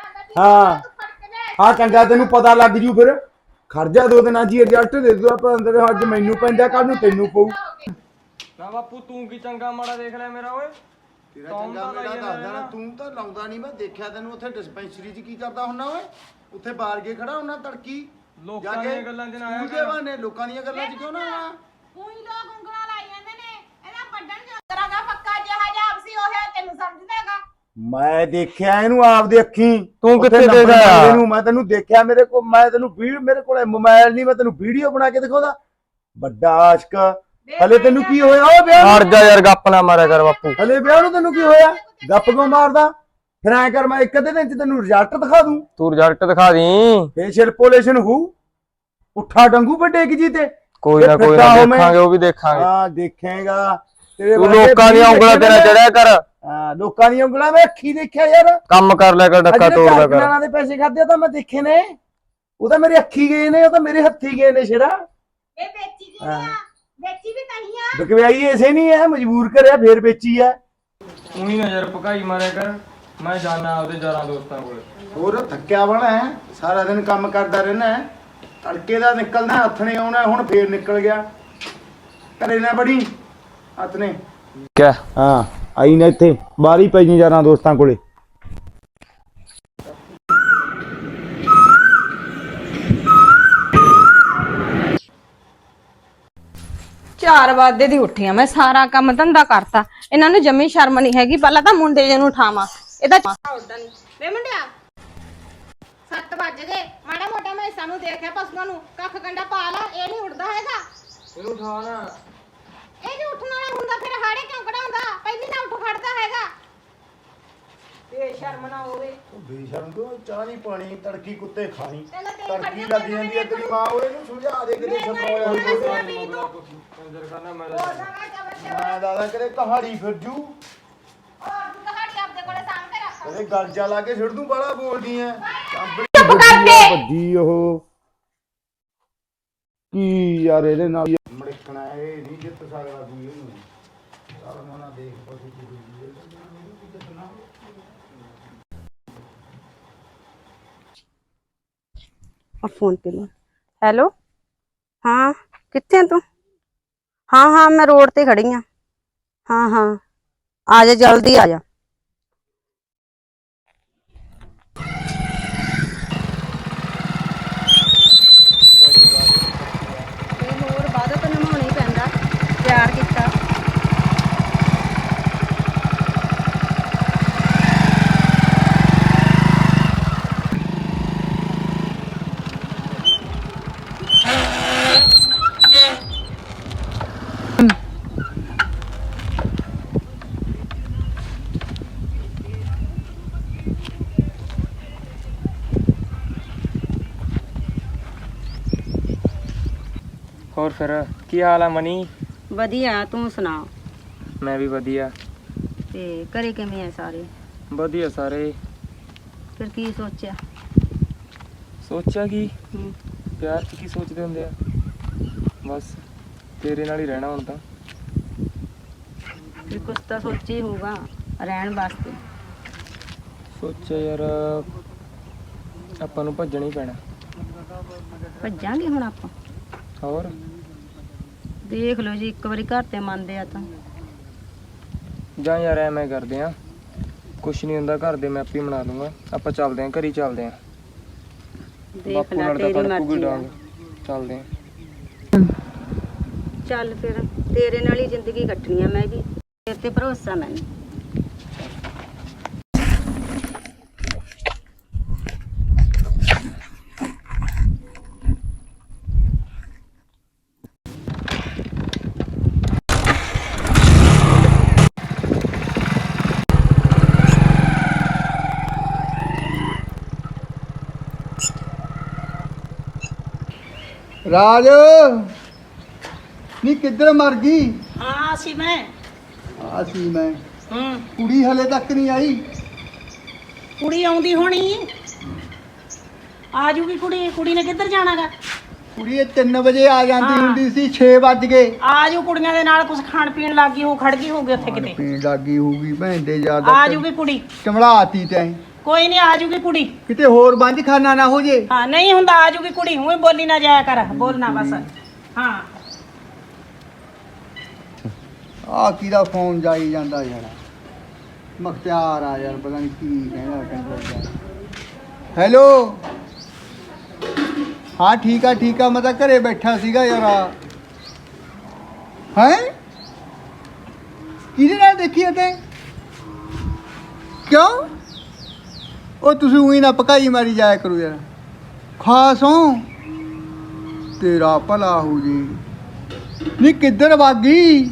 S1: ਹਾਂ ਚੰਗਾ ਤੈਨੂੰ ਪਤਾ ਲੱਗ ਜੂ ਫਿਰ। ਖਰਜਾ 2 ਦਿਨਾਂ ਜੀ ਰਿਜ਼ਲਟ ਦੇ ਦੂ ਆਪਾਂ ਅੰਦਰ। ਅੱਜ ਮੈਨੂੰ ਪੈਂਦਾ ਕੱਲ ਨੂੰ ਤੈਨੂੰ ਪਊ।
S3: ਨਾ ਬਾਪੂ ਤੂੰ ਕੀ ਚੰਗਾ ਮਾੜਾ ਦੇਖ ਲੈ ਮੇਰਾ ਓਏ।
S1: ਤੇਰਾ ਚੰਗਾ ਮੇਰਾ ਦੱਸਦਾ ਨਾ ਤੂੰ ਤਾਂ ਲਾਉਂਦਾ ਨਹੀਂ। ਮੈਂ ਦੇਖਿਆ ਤੈਨੂੰ ਉੱਥੇ ਡਿਸਪੈਂਸਰੀ 'ਚ ਕੀ ਕਰਦਾ ਹੁੰਨਾ ਓਏ। ਉੱਥੇ ਬਾਹਰ ਕੇ ਖੜਾ ਹੁੰਨਾ ਤੜਕੀ
S3: ਲੋਕਾਂ ਦੀਆਂ ਗੱਲਾਂ 'ਚ ਨਾ ਆਇਆ
S1: ਕਰ। ਬਹਾਨੇ ਲੋਕਾਂ ਦੀਆਂ ਗੱਲਾਂ 'ਚ ਕਿਉਂ ਨਾ ਆਇਆ।
S2: ਉਹੀ ਲੋਕ ਉਂਗਲਾਂ ਲਾਈ ਜਾਂਦੇ ਨੇ ਇਹਦਾ ਵੱਡਣ ਜੋਗਰਾ ਦਾ ਪੱਕਾ ਜਿਹਾ ਜਾਬ ਸੀ ਉਹ ਤੈਨੂੰ ਸਮਝਦਾਗਾ।
S1: ਮੈਂ ਦੇਖਿਆ ਇਹਨੂੰ ਆਪਦੀ ਅੱਖੀਂ।
S3: ਤੂੰ ਕਿੱਥੇ ਦੇਖਿਆ
S1: ਇਹਨੂੰ? ਮੈਂ ਤੈਨੂੰ ਦੇਖਿਆ ਮੇਰੇ ਕੋਲ। ਮੈਂ ਤੈਨੂੰ ਮੇਰੇ ਕੋਲੇ ਮੋਬਾਈਲ ਨਹੀਂ। ਮੈਂ ਤੈਨੂੰ ਵੀਡੀਓ ਬਣਾ ਕੇ ਦਿਖਾਉਂਦਾ। ਵੱਡਾ ਆਸ਼ਕ। ਹਲੇ ਤੈਨੂੰ ਕੀ ਹੋਇਆ? ਉਹ ਵਿਆਹ
S3: ਹਟ ਜਾ ਯਾਰ ਗੱਪ ਨਾ ਮਾਰਿਆ ਕਰ ਬਾਪੂ।
S1: ਹਲੇ ਵਿਆਹ ਨੂੰ ਤੈਨੂੰ ਕੀ ਹੋਇਆ? ਗੱਪ ਕਿਉਂ ਮਾਰਦਾ? ਫਿਰ ਐ ਕਰ ਮੈਂ ਇੱਕ ਅੱਧੇ ਦਿਨ 'ਚ ਤੈਨੂੰ ਰਿਜ਼ਲਟ ਦਿਖਾ ਦੂੰ।
S3: ਤੂੰ ਰਿਜ਼ਲਟ ਦਿਖਾ ਦੀ।
S1: ਫੇਸ਼ੀਅਲ ਪੋਲੇਸ਼ਨ ਹੋ ਉੱਠਾ ਡੰਗੂ ਵੱਡੇ ਕੀ ਜੀ ਤੇ
S3: ਕੋਈ ਨਾ ਦੇਖਾਂਗੇ ਉਹ ਵੀ ਦੇਖਾਂਗੇ।
S1: ਹਾਂ ਦੇਖੇਗਾ।
S3: ਤੂੰ ਲੋਕਾਂ ਦੀਆਂ ਉਂਗਲਾਂ ਤੇ ਨਾ ਚੜਿਆ ਕਰ।
S1: ਹਾਂ ਲੋਕਾਂ ਦੀਆਂ ਉਂਗਲਾਂ ਮੈਂ ਅੱਖੀ ਦੇਖਿਆ ਯਾਰ।
S3: ਕੰਮ ਕਰ ਲਿਆ ਕਰ ਡੱਕਾ ਤੋੜਦਾ ਕਰ।
S1: ਦੇ ਪੈਸੇ ਖਾਦੇ ਤਾਂ ਮੈਂ ਦੇਖੇ ਨੇ। ਉਹ ਤਾਂ ਮੇਰੇ ਅੱਖੀ ਗਏ ਨੇ। ਉਹ ਤਾਂ ਮੇਰੇ ਹੱਥੀ ਗਏ ਨੇ ਸ਼ੇਰਾ।
S2: ਇਹ ਵੇਚੀ ਜੀ ਆ ਵੇਚੀ ਵੀ ਨਹੀਂ ਆ।
S1: ਬਕਵਾਈ ਐਸੇ ਨਹੀਂ ਹੈ ਮਜਬੂਰ ਕਰਿਆ ਫੇਰ ਵੇਚੀ ਆ।
S3: ਉਹੀ ਨਾ ਯਾਰ ਭਕਾਈ ਮਾਰਿਆ ਕਰ। ਮੈਂ ਜਾਣਾ ਆਪਦੇ ਯਾਰਾਂ ਦੋਸਤਾਂ ਕੋਲ।
S1: ਹੋਰ ਥੱਕਿਆ ਬਣਾ ਹੈ ਸਾਰਾ ਦਿਨ ਕੰਮ ਕਰਦਾ ਰਹਿਣਾ। ਤੜਕੇ ਦਾ ਨਿਕਲਦਾ ਹੱਥ ਨੇ ਆਉਣਾ। ਹੁਣ ਫੇਰ ਨਿਕਲ ਗਿਆ। ਘਰੇ ਨਾ ਬੜੀ ਹੱਥ ਨੇ
S3: ਕਿਆ?
S1: ਹਾਂ ਆਈ ਨਾ ਇੱਥੇ ਬਾਹਰ ਹੀ ਪੈ ਜੀ ਯਾਰਾਂ ਦੋਸਤਾਂ ਕੋਲੇ।
S6: 4 ਵਜੇ ਦੀ ਉੱਠੀ ਆ ਮੈਂ। ਸਾਰਾ ਕੰਮ ਧੰਦਾ ਕਰਤਾ। ਇਹਨਾਂ ਨੂੰ ਜੰਮੀ ਸ਼ਰਮ ਨਹੀਂ ਹੈਗੀ। ਪਹਿਲਾਂ ਤਾਂ ਮੁੰਡੇ ਜੇ ਨੂੰ ਉਠਾਵਾਂ। ਇਹਦਾ
S2: ਵੇ ਮੁੰਡਿਆ 7 ਵਜ ਗਏ। ਮਾੜਾ ਮੋਟਾ ਮੈਂ ਸਾਨੂੰ ਦੇਖਿਆ ਪਸ਼ੂਆਂ ਨੂੰ ਕੱਖ ਕੰਡਾ ਪਾ ਲਾ। ਇਹ ਨਹੀਂ ਉੱਠਦਾ ਹੈਗਾ।
S3: ਇਹਨੂੰ ਉਠਾ ਨਾ।
S2: ਇਹ ਜੇ ਉੱਠਣ ਵਾਲਾ ਹੁੰਦਾ ਫਿਰ ਹਾੜੇ ਕਿਉਂ ਕਢਾਉਂਦਾ? ਪਹਿਲੀ ਨਾ ਉੱਠ ਖੜਦਾ ਹੈਗਾ। ਬੇਸ਼ਰਮ ਨਾ ਹੋਵੇ।
S1: ਬੇਸ਼ਰਮ ਤੋਂ ਚਾਹ ਨਹੀਂ ਪਾਣੀ ਤੜਕੀ ਕੁੱਤੇ ਖਾਣੀ।
S2: ਪਹਿਲਾਂ ਤੇ
S1: ਤੜਕੀ ਲੱਗ ਜਾਂਦੀ ਹੈ ਤੇਰੀ ਮਾਂ। ਉਹ ਇਹਨੂੰ ਸਮਝਾ ਦੇ ਕਿਤੇ ਛਪਾਇਆ
S3: ਕੰਜਰ ਖਾਨਾ ਮੈਂ
S1: ਮੈਂ ਦਾਦਾ ਕਰੇ ਕਹਾੜੀ ਫਿਰ ਜੂ। ਇਹਦੇ ਗੱਲ ਜਾ ਲਾ ਕੇ ਛੱਡ ਦੂੰ। ਬੜਾ ਬੋਲਦੀ ਐ। ਵੱਡੀ ਉਹ ਕੀ ਯਾਰ ਇਹਦੇ ਨਾਲ ਮੜਕਣਾ। ਇਹ ਨਹੀਂ ਜਿੱਤ ਸਕਦਾ ਕੋਈ ਇਹਨੂੰ। ਚੱਲ ਮਨਾ ਦੇਖ ਪਸੂ ਕੀ
S4: फोन पे लो। हेलो हाँ कितने तू? हाँ हाँ मैं रोड ते खड़ी हाँ। हाँ हाँ आ जा जल्दी आ जा। होर बाद तो निभाना ही पैंदा। प्यार किता
S3: ਹੋਰ ਫਿਰ ਕੀ ਹਾਲ ਆ ਮਨੀ?
S4: वधिया तू सुना।
S3: ਮੈਂ ਵੀ ਵਧੀਆ।
S4: ते घरे किवें है सारे?
S3: ਵਧੀਆ ਸਾਰੇ।
S4: फिर की सोचा?
S3: ਸੋਚਿਆ ਕੀ? ਪਿਆਰ 'ਚ ਕੀ ਸੋਚਦੇ ਹੁੰਦੇ ਆ। ਬਸ ਤੇਰੇ ਨਾਲ ਹੀ ਰਹਿਣਾ ਹੁਣ ਤਾਂ।
S4: फिर कुछ तो सोचा ही होगा रहन वास्ते।
S3: ਸੋਚਿਆ ਯਾਰ ਆਪਾਂ ਨੂੰ ਭੱਜਣਾ ਹੀ ਪੈਣਾ।
S4: ਭੱਜਾਂਗੇ ਹੁਣ ਆਪਾਂ।
S3: ਹੋਰ
S4: ਦੇਖ ਲਓ ਜੀ ਇੱਕ ਵਾਰੀ ਘਰ ਤੇ ਮੰਨਦੇ ਆ ਤਾਂ।
S3: ਜਾਂ ਯਾਰ ਐਵੇਂ ਕਰਦੇ ਆ। ਕੁਛ ਨਹੀਂ ਹੁੰਦਾ ਘਰ ਦੇ ਮੈਂ ਆਪੇ ਮਨਾ ਲੂੰਗਾ। ਆਪਾਂ ਚੱਲਦੇ ਆਂ ਘਰੀ ਚੱਲਦੇ ਆਂ।
S4: ਦੇਖ
S3: ਬਾਪੂ
S4: ਲੈ
S3: ਨਾਲ ਤਾਂ
S4: ਤੇਰੀ
S3: ਤੜਕੂਗੀ
S4: ਮਰਜ਼ੀ ਆ।
S3: ਡਾਂਗ। ਚੱਲਦੇ ਆਂ।
S4: ਚੱਲ ਫਿਰ ਤੇਰੇ ਨਾਲ ਹੀ ਜ਼ਿੰਦਗੀ ਕੱਟਣੀ ਆ ਮੈਂ ਵੀ। ਤੇਰੇ ਤੇ ਭਰੋਸਾ ਮੈਨੂੰ।
S1: ਰਾਜ ਨੀ ਕਿੱਧਰ ਮਰ ਗਈ?
S5: ਹਾਂ ਸੀ ਮੈਂ।
S1: ਆ ਸੀ ਮੈਂ। ਕੁੜੀ ਹਲੇ ਤੱਕ ਨਹੀਂ ਆਈ।
S5: ਕੁੜੀ ਆਉਂਦੀ ਹੋਣੀ। ਆ ਜੂਗੀ ਕੁੜੀ। ਕੁੜੀ ਨੇ ਕਿੱਧਰ ਜਾਣਾਗਾ?
S1: ਕੁੜੀ 3 ਵਜੇ ਆ ਜਾਂਦੀ ਹੁੰਦੀ ਸੀ 6 ਵੱਜ ਗਏ
S5: ਆ ਜੂ ਕੁੜੀਆਂ ਦੇ ਨਾਲ ਕੁਝ ਖਾਣ ਪੀਣ ਲੱਗੀ ਹੋ ਖੜ ਗਈ ਹੋਊਗੀ ਉੱਥੇ ਕਿਤੇ
S1: ਪੀਣ ਲੱਗੀ ਹੋਊਗੀ ਭੈਣ ਦੇ ਜ਼ਿਆਦਾ
S5: ਆ ਜੂਗੀ ਕੁੜੀ
S1: ਚਮੜਾਤੀ ਤੈਂ
S5: ਕੋਈ ਨਹੀਂ ਆ ਜੂਗੀ ਕੁੜੀ
S1: ਕਿਤੇ ਹੋਰ ਬੰਜ ਖਾਨਾ ਨਾ ਹੋ ਜੇ
S5: ਹਾਂ ਨਹੀਂ ਹੁੰਦਾ ਆ ਜੂਗੀ ਕੁੜੀ ਹੂੰ ਬੋਲੀ ਨਾ ਜਾਇਆ ਕਰ ਬੋਲਣਾ ਬਸ ਹਾਂ
S1: ਆ ਕਿਹਦਾ ਫੋਨ ਜਾਈ ਜਾਂਦਾ ਯਾਰ ਮਖਤਿਆਰ ਆ ਯਾਰ ਪਤਾ ਨਹੀਂ ਕੀ ਕਹਿੰਦਾ ਹੈਲੋ ਹਾਂ ਠੀਕ ਆ ਮੈਂ ਤਾਂ ਘਰੇ ਬੈਠਾ ਸੀਗਾ ਯਾਰ ਹੈ ਕਿਹਦੇ ਨਾਲ ਦੇਖੀ ਤੇ ਕਿਉਂ ਉਹ ਤੁਸੀਂ ਉਹੀ ਨਾ ਪਕਾਈ ਮਾਰੀ ਜਾਇਆ ਕਰੋ ਯਾਰ ਖਾਸ ਹੋ ਤੇਰਾ ਭਲਾ ਹੋ ਜੀ ਨੀ ਕਿੱਧਰ ਵਾਗੀ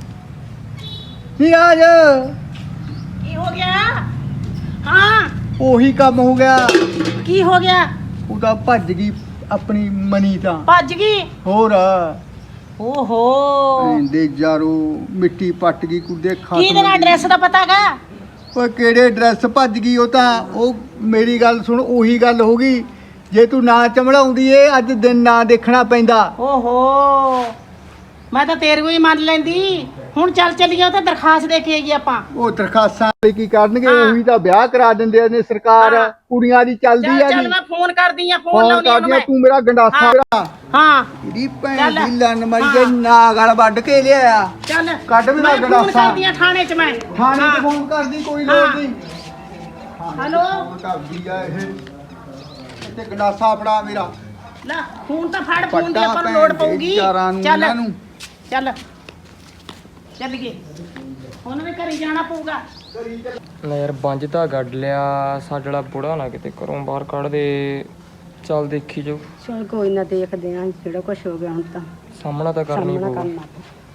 S1: ਨੀ ਆ ਜਾ
S5: ਕੀ ਹੋ ਗਿਆ ਹਾਂ
S1: ਉਹੀ ਕੰਮ ਹੋ ਗਿਆ
S5: ਕੀ ਹੋ ਗਿਆ
S1: ਉਹਦਾ ਭੱਜ ਗਈ ਆਪਣੀ ਮਨੀ ਤਾਂ
S5: ਭੱਜ ਗਈ
S1: ਹੋਰ
S5: ਓਹੋ
S1: ਦੇ ਜਾਰੋ ਮਿੱਟੀ ਪੱਟ ਗਈ ਕੁੱਦੇ ਖਾਤ
S5: ਕੀ ਤੇਰਾ ਐਡਰੈਸ ਦਾ ਪਤਾ ਹੈਗਾ
S1: ਓਏ ਕਿਹੜੇ ਐਡਰੈਸ ਭੱਜ ਗਈ ਉਹ ਤਾਂ ਉਹ ਮੇਰੀ ਗੱਲ ਸੁਣ ਉਹੀ ਗੱਲ ਹੋ ਗਈ ਜੇ ਤੂੰ ਨਾ ਚਮੜਾਉਂਦੀ ਏ ਅੱਜ ਦਿਨ ਨਾ ਦੇਖਣਾ ਪੈਂਦਾ
S5: ਓਹੋ ਮੈਂ ਤਾਂ ਤੇਰੇ ਨੂੰ ਹੀ ਮੰਨ ਲੈਂਦੀ ਹੁਣ ਚੱਲ ਚੱਲੀਏ ਉੱਥੇ ਦਰਖਾਸਤ ਦੇ ਕੇ ਆਈਏ ਆਪਾਂ
S1: ਉਹ ਦਰਖਾਸਤਾਂ ਵਾਲੇ ਕੀ ਕਰਨਗੇ ਉਹੀ ਤਾਂ ਵਿਆਹ ਕਰਾ ਦਿੰਦੇ ਨੇ ਸਰਕਾਰ ਕੁੜੀਆਂ ਦੀ ਚੱਲਦੀ ਆ
S5: ਚੱਲ
S1: ਜੀ
S5: ਮੈਂ ਫੋਨ ਕਰਦੀ ਆ ਫੋਨ
S1: ਫੋਨ
S5: ਲਾਉਣੀ ਉਹਨੂੰ
S1: ਕਰਦੀ ਆ
S5: ਮੈਂ
S1: ਤੂੰ ਮੇਰਾ ਗੰਡਾਸਾ ਮੇਰਾ
S5: ਹਾਂ
S1: ਇਹਦੀ ਭੈਣ ਦੀ ਲੰਨ ਮਾਰੀ ਨਾ ਗਲ ਵੱਢ ਕੇ ਲਿਆ
S5: ਚੱਲ
S1: ਕੱਢ ਮੇਰਾ
S5: ਮੈਂ ਫੋਨ
S1: ਗੰਡਾਸਾ
S5: ਕਰਦੀ ਆ ਥਾਣੇ 'ਚ ਮੈਂ
S1: ਥਾਣੇ
S5: ਹਾਂ।
S1: ਤੇ ਫੋਨ ਕਰਦੀ ਕੋਈ ਲੋੜ ਨਹੀਂ
S5: ਹੈਲੋ
S1: ਫੋਨ ਕਰਦੀ ਆ ਇਹ ਤੇ ਗੰਡਾਸਾ ਫੜਾ ਮੇਰਾ
S5: ਲੈ ਫੋਨ ਤਾਂ ਫੜ ਫੋਨ ਦੀ
S1: ਪੱਟਾ
S5: ਆਪਾਂ ਨੂੰ ਲੋੜ
S1: ਭੈਣ ਦੇ
S5: ਪਊਗੀ
S1: ਚਾਰਾਂ ਨੂੰ
S5: ਚੱਲ
S1: ਇਹਨਾਂ ਨੂੰ
S5: ਚੱਲ ਚੱਲੀਏ ਹੁਣ ਵੀ ਘਰੇ ਜਾਣਾ ਪਊਗਾ
S3: ਨਾ ਯਾਰ ਬੰਜ ਤਾਂ ਗੱਡ ਲਿਆ ਸਾਡਾ ਬੁੜਾ ਨਾ ਕਿਤੇ ਘਰੋਂ ਬਾਹਰ ਕੱਢ ਦੇ ਚੱਲ ਦੇਖੀ ਜਾਓ
S4: ਚਲ ਕੋਈ ਨਾ ਦੇਖਦੇ ਆਂ ਜਿਹੜਾ ਕੁਝ ਹੋ ਗਿਆ ਹੁਣ ਤਾਂ
S3: ਸਾਹਮਣਾ ਤਾਂ ਕਰਨੀ
S4: ਸਾਹਮਣਾ
S3: ਪਊ
S4: ਕਰਨਾ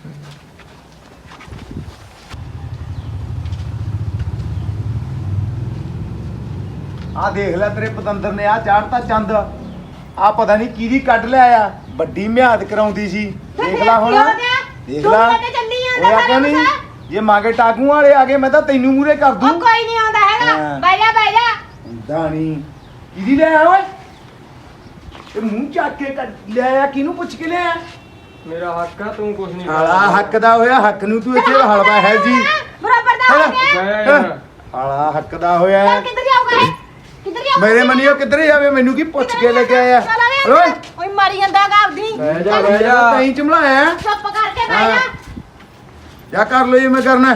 S1: ਆ ਦੇਖ ਲੈ ਤੇਰੇ ਪਤੰਦਰ ਨੇ ਆ ਚਾੜਤਾ ਚੰਦ ਆ ਪਤਾ ਨਹੀਂ ਕਿਹਦੀ ਕੱਢ ਲਿਆ ਆ ਵੱਡੀ ਮਿਆਦ ਕਰਾਉਂਦੀ ਸੀ ਦੇਖ ਲੈ ਹੁਣ ਦੇਖ ਲੈ ਉਹ ਆਖਿਆ ਨਹੀਂ ਜੇ ਮਾਗੇ ਟਾਕੂ ਵਾਲੇ ਆ ਗਏ ਮੈਂ ਤਾਂ ਤੈਨੂੰ ਮੂਰੇ ਕਰ ਦੂੰ
S2: ਕੋਈ ਨਹੀਂ ਆਉਂਦਾ ਹੈਗਾ ਬਹਿ ਜਾ
S1: ਹੁੰਦਾ ਨਹੀਂ ਕਿਹਦੀ ਲੈ ਆ ਓਏ ਇਹ ਮੂੰਹ ਚੱਕ ਕੇ ਲਿਆ ਕਿਹਨੂੰ ਪੁੱਛ ਕੇ ਲਿਆ
S3: ਮੇਰਾ ਹੱਕ ਆ ਤੂੰ ਕੁਝ ਨਹੀਂ
S1: ਹਾਲਾ ਹੱਕ ਦਾ ਹੋਇਆ ਹੱਕ ਨੂੰ ਤੂੰ ਇੱਥੇ ਹਲਵਾ ਹੈ ਜੀ
S2: ਬਰਾਬਰ ਦਾ ਹੋ ਗਿਆ
S1: ਹਾਲਾ ਹੱਕ ਦਾ ਹੋਇਆ
S2: ਕਿੱਧਰ ਜਾਊਗਾ ਕਿੱਧਰ ਜਾਊਗਾ
S1: ਮੇਰੇ ਮਨੀਓ ਕਿੱਧਰ ਜਾਵੇ ਮੈਨੂੰ ਕੀ ਪੁੱਛ ਕੇ ਲੈ ਕੇ ਆਇਆ ਓਏ
S2: ਓਏ ਮਾਰੀ ਜਾਂਦਾ ਹੈਗਾ ਆਪਦੀ
S3: ਬਹਿ ਜਾ
S1: ਤੈਂ ਚਮਲਾਇਆ
S2: ਚੁੱਪ ਕਰਕੇ ਬਹਿ ਜਾ
S1: ਕਿਆ ਕਰ ਲੋ ਇਹ ਮੈਂ ਕਰਨਾ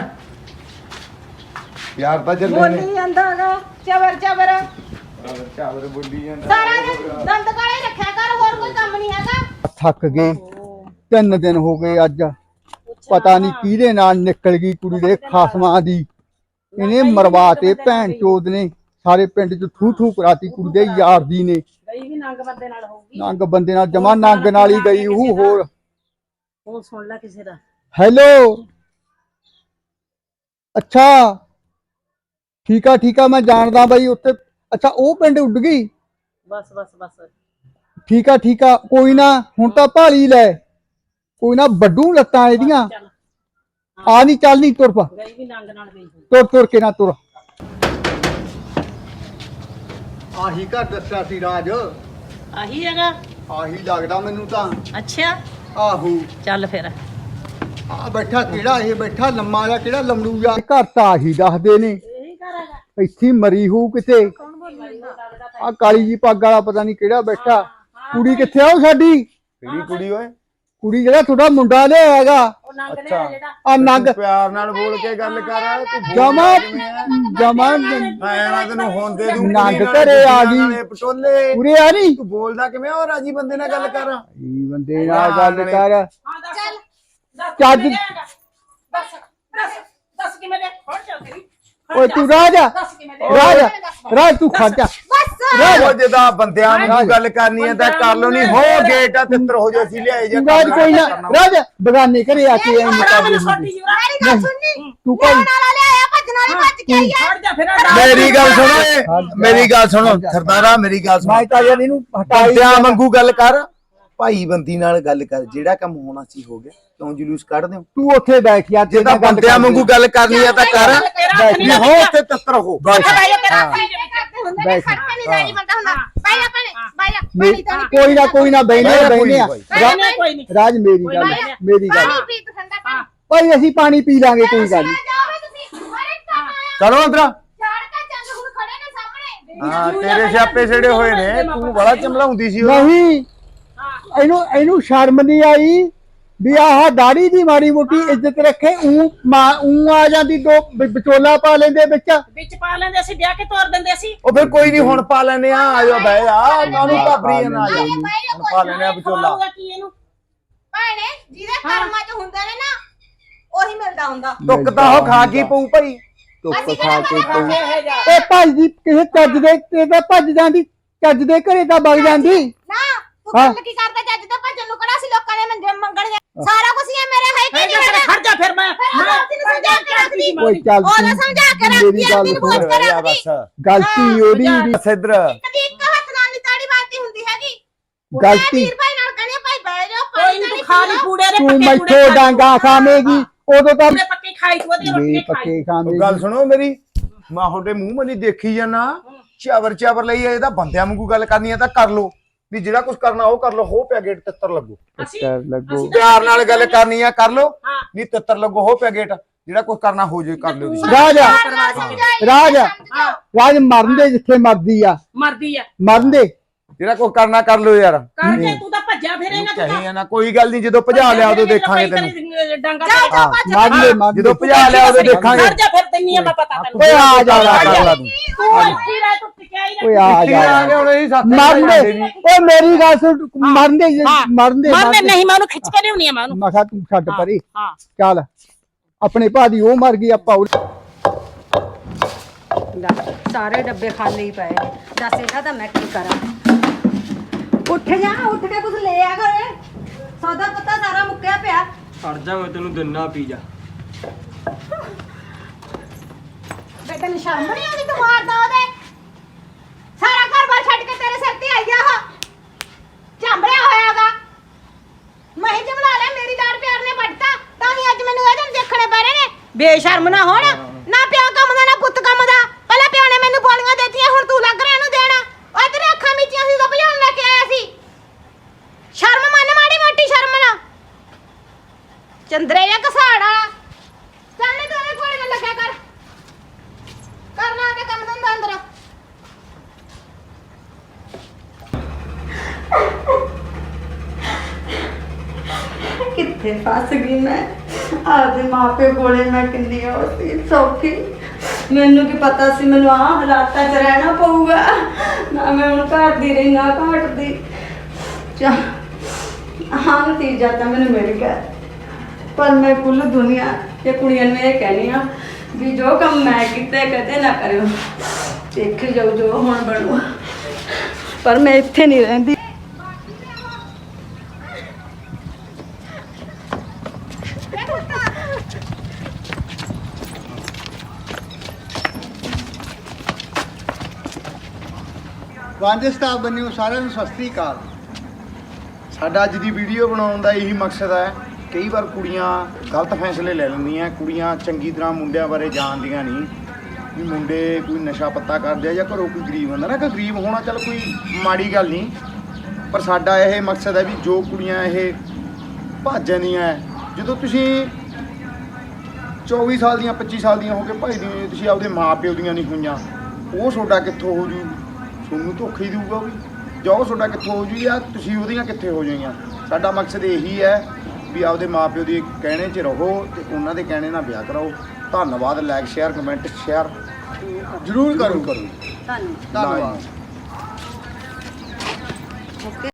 S1: ਯਾਰ ਤਾਂ ਚੱਲੇ ਨੇ
S2: ਬੋਲੀ ਜਾਂਦਾ ਹੈਗਾ ਚਬਰ
S1: ਚਾਵਰ ਬੋਲੀ ਜਾਂਦਾ
S2: ਸਾਰਾ ਦਿਨ ਦੰਦ ਕਾਲੇ ਰੱਖਿਆ ਕਰ ਹੋਰ ਕੋਈ ਕੰਮ ਨਹੀਂ ਹੈਗਾ
S1: ਥੱਕ ਗਏ 3 ਦਿਨ ਹੋ ਗਏ ਅੱਜ ਪਤਾ ਨਹੀਂ ਕਿਹਦੇ ਨਾਲ ਨਿਕਲ ਗਈ ਕੁੜੀ ਦੇ ਖਾਸਮਾਂ ਦੀ ਇਹਨੇ ਮਰਵਾਤੇ ਭੈਣ ਚੋਦ ਨੇ ਸਾਰੇ ਪਿੰਡ ਚ ਥੂ ਥੂ ਕਰਾਤੀ ਕੁੜੀ ਦੇ ਯਾਰ ਦੀ ਨੇ
S5: ਗਈ ਵੀ ਨੰਗ ਬੰਦੇ ਨਾਲ ਹੋਊਗੀ
S1: ਨੰਗ ਬੰਦੇ ਨਾਲ ਜਮਾ ਨੰਗ ਨਾਲ ਹੀ ਗਈ ਉਹ ਹੋਰ
S5: ਉਹ ਸੁਣ ਲੈ ਕਿਸੇ ਦਾ
S1: ਹੈਲੋ ਅੱਛਾ ਠੀਕ ਆ ਮੈਂ ਜਾਣਦਾ ਬਾਈ ਉੱਥੇ ਅੱਛਾ ਉਹ ਪਿੰਡ ਉੱਡ ਗਈ
S5: ਬਸ
S1: ਠੀਕ ਆ ਕੋਈ ਨਾ ਹੁਣ ਤਾਂ ਭਾਲੀ ਲੈ ਕੋਈ ਨਾ ਵੱਡੂ ਲੱਤਾਂ ਇਹਦੀਆਂ
S5: ਚੱਲ
S1: ਆ ਨਹੀਂ ਚੱਲ ਨਹੀਂ ਤੁਰ ਪਾ
S5: ਗਈ ਵੀ ਨੰਗ ਨਾਲ ਗਈ ਹੋਊ।
S1: ਤੁਰ ਕੇ ਨਾ ਤੁਰ ਆਹੀ ਘਰ ਦੱਸਿਆ ਸੀ ਰਾਜ
S5: ਆਹੀ ਹੈਗਾ
S1: ਆਹੀ ਲੱਗਦਾ ਮੈਨੂੰ ਤਾਂ
S5: ਅੱਛਾ
S1: ਆਹੋ
S5: ਚੱਲ ਫਿਰ
S1: ਆ ਬੈਠਾ ਕਿਹੜਾ ਇਹ ਬੈਠਾ ਲੰਮਾ ਜਿਹਾ ਕਿਹੜਾ ਲੰਮੜੂ ਜਿਹਾ ਘਰ ਤਾਂ ਆਹੀ ਦੱਸਦੇ ਨੇ
S5: ਇਹੀ ਘਰ ਹੈਗਾ
S1: ਇੱਥੇ ਮਰੀ ਹੋਊ ਕਿਤੇ ਆ ਕਾਲੀ ਜੀ ਪੱਗ ਵਾਲਾ ਪਤਾ ਨਹੀਂ ਕਿਹੜਾ ਬੈਠਾ ਕੁੜੀ ਕਿੱਥੇ ਆ ਉਹ ਸਾਡੀ ਕਿਹੜੀ ਕੁੜੀ ਓਏ ਕੁੜੀ ਜਿਹੜਾ ਤੁਹਾਡਾ ਮੁੰਡਾ ਲਿਆ ਹੈਗਾ
S5: ਉਹ ਨੰਗ ਲਿਆ ਜਿਹੜਾ
S1: ਆ ਨੰਗ
S7: ਪਿਆਰ ਨਾਲ ਬੋਲ ਕੇ ਗੱਲ ਕਰ
S1: ਜਮਾ
S7: ਮੈਂ ਤੈਨੂੰ ਹੁਣ ਦੇ ਦੂੰ
S1: ਨੰਗ ਘਰੇ ਆ ਗਈ
S7: ਪਟੋਲੇ
S1: ਉਰੇ ਆ ਨਹੀਂ
S7: ਤੂੰ ਬੋਲਦਾ ਕਿਵੇਂ ਉਹ ਰਾਜੀ ਬੰਦੇ ਨਾਲ ਗੱਲ ਕਰ
S1: ਇਹ ਬੰਦੇ ਨਾਲ ਗੱਲ ਕਰ
S5: ਹਾਂ ਚੱਲ
S1: ਚੱਜ
S5: ਦੱਸ ਕਿਵੇਂ ਦੇ ਹੁਣ ਚੱਲ ਤੇਰੀ
S1: ਓਏ ਤੂੰ ਰਾਜਾ
S5: ਦੱਸ ਕਿਵੇਂ ਦੇ
S1: ਰਾਜ ਤੂੰ ਖੜ ਜਾ
S7: ਉਹ ਜਿਹਦਾ ਬੰਦਿਆਂ ਨੂੰ ਗੱਲ ਕਰਨੀ ਹੈ ਤਾਂ ਕਰ ਲੋ ਨਹੀਂ ਹੋ ਗੇਟ ਆ ਤਿੱਤਰ ਹੋ ਜਾ ਸੀ ਲਿਆਏ ਜਾ
S1: ਰਾਜ ਕੋਈ ਨਾ ਰਾਜ ਬਗਾਨੇ ਘਰੇ ਆ ਕੇ ਐਂ ਕਰਦੇ
S5: ਛੋਟੀ ਜਿਹੀ
S2: ਮੇਰੀ ਗੱਲ ਸੁਣਨੀ
S1: ਤੂੰ ਕੋਈ
S2: ਨਾਲਾ ਲਿਆਇਆ ਭੱਜਣ ਵਾਲੀ ਭੱਜ ਕੇ ਆਈ
S5: ਛੱਡ ਜਾ ਫਿਰ
S7: ਮੇਰੀ ਗੱਲ ਸੁਣੋ ਮੇਰੀ ਗੱਲ ਸੁਣੋ ਸਰਦਾਰਾ ਮੇਰੀ ਗੱਲ ਸੁਣੋ
S1: ਮੈਂ ਤਾਂ ਯਾਰ ਇਹਨੂੰ ਹਟਾਈ
S7: ਬੰਦਿਆਂ ਵਾਂਗੂ ਗੱਲ ਕਰ ਭਾਈ ਬੰਦੀ ਨਾਲ ਗੱਲ ਕਰ ਜਿਹੜਾ ਕੰਮ ਹੋਣਾ ਸੀ ਹੋ ਗਿਆ ਕਿਉਂ ਜਲੂਸ ਕੱਢਦੇ ਹੋ
S1: ਤੂੰ ਉੱਥੇ ਬੈਠ ਯਾਰ
S7: ਜੇ ਤਾਂ ਬੰਦਿਆਂ ਵਾਂਗੂ ਗੱਲ ਕਰਨੀ ਹੈ ਤਾਂ ਕਰ
S5: ਤੇਰਾ ਹੱਥ ਨਹੀਂ
S7: ਨਹੀਂ ਹੋ ਉੱਥੇ ਤਿੱਤਰ ਹੋ
S5: ਤੇਰਾ ਹੱਥ ਨਹੀਂ
S2: ਕਰਦੇ ਹੁੰਦੇ ਨੇ ਸੱਟ ਨਹੀਂ ਜਾਈ ਬੰਦਾ ਹੁੰਦਾ ਬਾਈ ਜਾ ਭੈਣੇ ਬਾਈ ਜਾ ਪਾਣੀ ਤਾਂ ਨਹੀਂ
S8: ਕੋਈ ਨਾ ਬੈਨੇ ਆ
S5: ਕੋਈ ਨਹੀਂ
S8: ਰਾਜ ਮੇਰੀ ਗੱਲ ਮੇਰੀ ਗੱਲ
S2: ਪਾਣੀ ਪੀ ਤੂੰ ਠੰਡਾ ਪਾਣੀ
S8: ਭਾਈ ਅਸੀਂ ਪਾਣੀ ਪੀ ਲਾਂਗੇ ਕੋਈ ਗੱਲ ਨਹੀਂ
S2: ਜਾਓਗੇ ਤੁਸੀਂ ਹਰੇ ਕੰਮ ਆਇਆ
S7: ਚਲੋ ਅੰਦਰ
S2: ਝਾੜ ਕੇ ਚੱਲ ਹੁਣ ਖੜੇ ਨੇ ਸਾਹਮਣੇ
S7: ਹਾਂ ਤੇਰੇ ਸਿਆਪੇ ਛੜੇ ਹੋਏ ਨੇ ਤੂੰ ਬੜਾ ਚਮਲਾਉਂਦੀ ਸੀ ਉਹ
S8: ਨਹੀਂ ਇਹਨੂੰ ਸ਼ਰਮ ਨਹੀਂ ਆਈ ਵੀ ਆਹ ਦਾੜੀ ਦੀ ਮਾੜੀ ਮੋਟੀ ਇੱਜ਼ਤ ਰੱਖੇ ਊ ਆ ਜਾਂਦੀ ਦੋ ਵਿਚੋਲਾ ਪਾ ਲੈਂਦੇ
S5: ਵਿੱਚ ਪਾ ਲੈਂਦੇ ਅਸੀਂ ਵਿਆਹ ਕੇ ਤੋਰ ਦਿੰਦੇ ਸੀ
S7: ਉਹ ਫਿਰ ਕੋਈ ਨਹੀਂ ਹੁਣ ਪਾ ਲੈਨੇ ਆ ਆਜੋ ਬਹਿ ਜਾ ਕਾਹਨੂੰ ਘਾਬਰੀ ਨਾ ਆ ਜਾ ਹੁਣ ਪਾ ਲੈਨੇ ਆ ਵਿਚੋਲਾ
S5: ਖਵਾਊਗਾ ਕੀ ਇਹਨੂੰ
S2: ਭੈਣੇ ਜਿਹਦੇ ਕਰਮਾਂ 'ਚ ਹੁੰਦੇ ਨੇ ਨਾ ਉਹੀ ਮਿਲਦਾ ਹੁੰਦਾ
S7: ਟੁੱਕ ਤਾਂ ਉਹ ਖਾ ਕੀ ਪਊ ਭਾਈ
S8: ਧੁੱਪ ਖਾ ਕੇ
S5: ਇਹ ਜਾ
S8: ਇਹ ਭੱਜਦੀ ਕਿਸੇ ਚੱਜ ਦੇ ਤੇ ਤਾਂ ਭੱਜ ਜਾਂਦੀ ਚੱਜ ਦੇ ਘਰੇ ਤਾਂ ਵਗ ਜਾਂਦੀ
S2: ਨਾ ਤੂੰ ਗੱਲ ਕੀ ਕਰਦਾ ਜੱਜ ਤੇ ਭੱਜਣ ਨੂੰ ਕਿਹੜਾ ਸੀ ਲੋਕਾਂ ਨੇ ਮੰਗਣ ਸਾਰਾ ਕੁਝ ਹੀ ਮੇਰੇ ਹੈ ਕਿ ਨਹੀਂ
S5: ਖੜ ਜਾ ਫਿਰ ਮੈਂ
S2: ਤੈਨੂੰ ਸਮਝਾ ਕੇ ਰੱਖਦੀ
S8: ਕੋਈ ਚੱਲ
S2: ਉਹਦਾ ਸਮਝਾ ਕੇ ਰੱਖਦੀ
S8: ਮੇਰੀ ਗੱਲ
S2: ਤੈਨੂੰ ਬੋਝ
S8: ਸੁਣ,
S2: ਕੇ
S7: ਆ
S2: ਰੱਖਦੀ
S7: ਬਸ
S8: ਗਲਤੀ ਉਹਦੀ ਵੀ
S7: ਸਿੱਧਰ
S2: ਕਦੀ ਇੱਕ ਹੱਥ ਨਾਲ ਨਹੀਂ ਤਾੜੀ ਬਾਤੀ ਹੁੰਦੀ ਹੈਗੀ
S8: ਗਲਤੀ
S2: ਵੀਰ ਭਾਈ ਨਾਲ ਕਹਿੰਦੇ ਭਾਈ ਬਹਿ ਜਾਓ
S5: ਕੋਈ ਨਹੀਂ ਤੂੰ ਖਾ ਲਈ ਪੂੜੇ ਦੇ
S8: ਤੂੰ
S5: ਪੱਕੇ
S8: ਮੈਥੋਂ ਡਾਂਗਾ ਖਾਵੇਂਗੀ ਉਦੋਂ ਤਾਂ
S5: ਪੂੜੇ ਪੱਕੇ ਖਾਈ ਤੂੰ ਉਹਦੇ
S8: ਵੀ
S5: ਰੋਟੀ ਖਾਈ
S8: ਪੱਕੇ ਖਾਵੇਂਗੀ
S7: ਗੱਲ ਸੁਣੋ ਮੇਰੀ ਮੈਂ ਤੁਹਾਡੇ ਮੂੰਹ ਮਨੀ ਦੇਖੀ ਜਾਣਾ ਚਾਵਰ ਲਈ ਇਹਦਾ ਬੰਦਿਆਂ ਵਾਂਗੂ ਗੱਲ ਕਰਨੀ ਆ ਤਾਂ ਕਰ ਲੋ ਵੀ ਜਿਹੜਾ ਕੁਝ ਕਰਨਾ ਉਹ ਕਰ ਲੋ ਹੋ ਪਿਆ ਗੇਟ ਤਿੱਤਰ ਲੱਗੋ
S5: ਅਸੀਂ
S8: ਲੱਗੋ
S7: ਪਿਆਰ ਨਾਲ ਗੱਲ ਕਰਨੀ ਆ ਕਰ ਲੋ
S5: ਹਾਂ।
S7: ਨਹੀਂ ਤਿੱਤਰ ਲੱਗੋ ਹੋ ਪਿਆ ਗੇਟ ਜਿਹੜਾ ਕੁਝ ਕਰਨਾ ਹੋ ਜੇ ਕਰ ਲਿਓ ਤੁਸੀਂ
S8: ਰਾਜ ਮਰਨ ਦੇ ਜਿੱਥੇ ਮਰਦੀ ਆ
S5: ਮਰਦੀ ਆ
S8: ਮਰਨ ਦੇ
S7: ਜਿਹੜਾ ਕੁਝ ਕਰਨਾ ਕਰ ਲਿਓ ਯਾਰ
S5: ਕਰਕੇ ਤੂੰ ਤਾਂ ਭੱਜਿਆ ਫਿਰੇਗਾ ਤੂੰ
S7: ਕਹੀ ਨਾ ਕੋਈ ਗੱਲ ਨਹੀਂ ਜਦੋਂ ਭਜਾ ਲਿਆ ਉਦੋਂ ਦੇਖਾਂਗੇ ਤੈਨੂੰ
S5: ਡਾਂਗਾ
S8: ਮਰਨ ਦੇ ਮਰਨ
S7: ਜਦੋਂ ਭਜਾ ਲਿਆ ਉਦੋਂ ਦੇਖਾਂਗੇ
S5: ਖੜ ਜਾ ਫਿਰ ਤੈਨੂੰ ਆ ਮੈਂ ਪਤਾ ਤੈਨੂੰ
S8: ਓਏ ਆ ਜਾ
S7: ਕਰ ਲਾ ਤੂੰ
S5: ਤੂੰ ਇੱਥੇ ਰਹਿ ਤੂੰ ਟਿਕਿਆ ਹੀ
S8: ਓਏ
S5: ਨਾ
S8: ਆ ਜਾ
S7: ਹੁਣ ਇਹ ਸੱਤ
S8: ਮਰਨ ਦੇ ਓਏ ਮੇਰੀ ਗੱਲ ਸੁਣ ਮਰਨ ਦੇ ਮਰਨ ਦੇ
S5: ਮਰਨੇ ਨਹੀਂ ਮੈਂ ਉਹਨੂੰ ਖਿੱਚ ਕੇ ਲਿਆਉਣੀ ਆ ਮੈਂ ਉਹਨੂੰ
S8: ਮੈਂ ਕਿਹਾ ਤੂੰ ਛੱਡ ਪਰੇ
S5: ਹਾਂ
S8: ਚੱਲ ਆਪਣੇ ਭਾ ਦੀ ਉਹ ਮਰ ਗਈ ਆਪਾਂ
S4: ਸਾਰੇ ਡੱਬੇ ਖਾਲੀ ਹੀ ਪਏ ਨੇ ਦੱਸ ਇਹਦਾ ਤਾਂ ਮੈਂ ਕੀ ਕਰਾਂ ਉੱਠ ਜਾ ਉੱਠ ਕੇ ਕੁਝ ਲੈ ਆ ਘਰੇ ਸੌਦਾ ਪੱਤਾ ਸਾਰਾ ਮੁੱਕਿਆ ਪਿਆ
S3: ਖੜ ਜਾ ਮੈਂ ਤੈਨੂੰ ਦਿਨਾ ਪੀ ਜਾ
S2: ਬੇਟਾ ਨੂੰ ਸ਼ਰਮ ਨਹੀਂ ਆਉਂਦੀ ਤੂੰ ਮਾਰਦਾ ਉਹਦੇ ਸਾਰਾ ਘਰ-ਬਾਰ ਛੱਡ ਕੇ ਤੇਰੇ ਸਿਰ ਤੇ ਆਈ ਆ ਉਹ ਝਾਂਬੜਿਆ ਹੋਇਆਗਾ ਮੈਂ ਹੀ ਜਮਲਾ ਲਿਆ ਮੇਰੀ ਦਾੜ ਪਿਆਰ ਨੇ ਵੱਢਤਾ ਤਾਂ ਹੀ ਅੱਜ ਮੈਨੂੰ ਇਹਦੇ ਨੂੰ ਦੇਖਣੇ ਪੈ ਰਹੇ ਨੇ ਬੇਸ਼ਰਮ ਨਾ ਹੋਣ ਨਾ ਪਿਓ ਕੰਮ ਦਾ ਨਾ ਪੁੱਤ ਕੰਮ ਦਾ ਪਹਿਲਾਂ ਪਿਓ ਨੇ ਮੈਨੂੰ ਬੋਲੀਆਂ ਦਿੱਤੀਆਂ ਹੁਣ ਤੂੰ ਲੱਗ ਰਿਹਾ ਇਹਨੂੰ ਦੇਣ ਓਏ ਤੇਰੇ ਅੱਖਾਂ ਮੀਚੀਆਂ ਸੀ ਤਾਂ ਭਜਾਉਣ ਲੈ ਕੇ ਆਇਆ ਸੀ ਸ਼ਰਮ ਮੰਨ ਮਾੜੀ ਮੋਟੀ ਸ਼ਰਮ ਨਾ ਚੰਦਰੇ ਜਾਂ ਘਸਾੜਾ ਚੱਲ ਤੂੰ ਇਹਦੇ ਕੋਲ ਨਾ ਲੱਗਿਆ ਕਰ ਕਰਨਾ ਤੇ ਕੰਮ ਧੰਦਾ ਅੰਦਰ
S4: ਕਿੱਥੇ ਫਸ ਗਈ ਮੈਂ ਆਪਦੇ ਮਾਪੇ ਕੋਲੇ ਮੈਂ ਕਿੰਨੀ ਔਸੀ ਸੌਖੀ ਮੈਨੂੰ ਕੀ ਪਤਾ ਸੀ ਮੈਨੂੰ ਆਹ ਹਾਲਾਤਾਂ 'ਚ ਰਹਿਣਾ ਪਊਗਾ ਨਾ ਮੈਂ ਹੁਣ ਘਰ ਦੀ ਰਹੀ ਨਾ ਘਾਟ ਦੀ ਹਾਂ ਨਤੀਜਾ ਤਾਂ ਮੈਨੂੰ ਮਿਲ ਗਿਆ ਪਰ ਮੈਂ ਕੁੱਲ ਦੁਨੀਆ ਤੇ ਕੁੜੀਆਂ ਨੂੰ ਇਹ ਕਹਿਣੀ ਆ ਵੀ ਜੋ ਕੰਮ ਮੈਂ ਕੀਤੇ ਕਦੇ ਨਾ ਕਰਿਓ ਦੇਖੀ ਜਾਓ ਜੋ ਹੁਣ ਬਣੂ ਪਰ ਮੈਂ ਇੱਥੇ ਨਹੀਂ ਰਹਿੰਦੀ
S1: ਵਾਂਝੇ ਸਟਾਫ ਬੰਨਿਓ ਸਾਰਿਆਂ ਨੂੰ ਸਤਿ ਸ੍ਰੀ ਅਕਾਲ। ਸਾਡਾ ਅੱਜ ਦੀ ਵੀਡੀਓ ਬਣਾਉਣ ਦਾ ਇਹੀ ਮਕਸਦ ਹੈ ਕਈ ਵਾਰ ਕੁੜੀਆਂ ਗਲਤ ਫੈਸਲੇ ਲੈ ਲੈਂਦੀਆਂ ਕੁੜੀਆਂ ਚੰਗੀ ਤਰ੍ਹਾਂ ਮੁੰਡਿਆਂ ਬਾਰੇ ਜਾਣਦੀਆਂ ਨਹੀਂ ਵੀ ਮੁੰਡੇ ਕੋਈ ਨਸ਼ਾ ਪੱਤਾ ਕਰਦੇ ਆ ਜਾਂ ਘਰੋਂ ਕੋਈ ਗਰੀਬ ਹੁੰਦਾ ਨਾ ਕਿ ਗਰੀਬ ਹੋਣਾ ਚੱਲ ਕੋਈ ਮਾੜੀ ਗੱਲ ਨਹੀਂ ਪਰ ਸਾਡਾ ਇਹ ਮਕਸਦ ਹੈ ਵੀ ਜੋ ਕੁੜੀਆਂ ਇਹ ਭੱਜ ਜਾਂਦੀਆਂ ਜਦੋਂ ਤੁਸੀਂ 24 ਸਾਲ ਦੀਆਂ 25 ਸਾਲ ਦੀਆਂ ਹੋ ਕੇ ਭੱਜਦੀਆਂ ਤੁਸੀਂ ਆਪਦੇ ਮਾਪਿਓ ਦੀਆਂ ਨਹੀਂ ਹੋਈਆਂ ਉਹ ਤੁਹਾਡਾ ਕਿੱਥੋਂ ਹੋ ਜੂ ਤੁਹਾਨੂੰ ਧੋਖਾ ਹੀ ਦੇਊਗਾ ਵੀ ਜੋ ਤੁਹਾਡਾ ਕਿੱਥੋਂ ਹੋ ਜੂ ਜਾਂ ਤੁਸੀਂ ਉਹਦੀਆਂ ਕਿੱਥੇ ਹੋ ਜਾਈਆਂ ਸਾਡਾ ਮਕਸਦ ਇਹੀ ਹੈ ਵੀ ਆਪਦੇ ਮਾਪਿਓ ਦੇ ਕਹਿਣੇ 'ਚ ਰਹੋ ਤੇ ਉਹਨਾਂ ਦੇ ਕਹਿਣੇ ਨਾਲ ਵਿਆਹ ਕਰਾਓ ਧੰਨਵਾਦ ਲਾਈਕ ਸ਼ੇਅਰ ਕਮੈਂਟ ਸ਼ੇਅਰ ਜ਼ਰੂਰ ਕਰੋ
S4: ਧੰਨਵਾਦ
S1: ਧੰਨਵਾਦ
S4: ਓਕੇ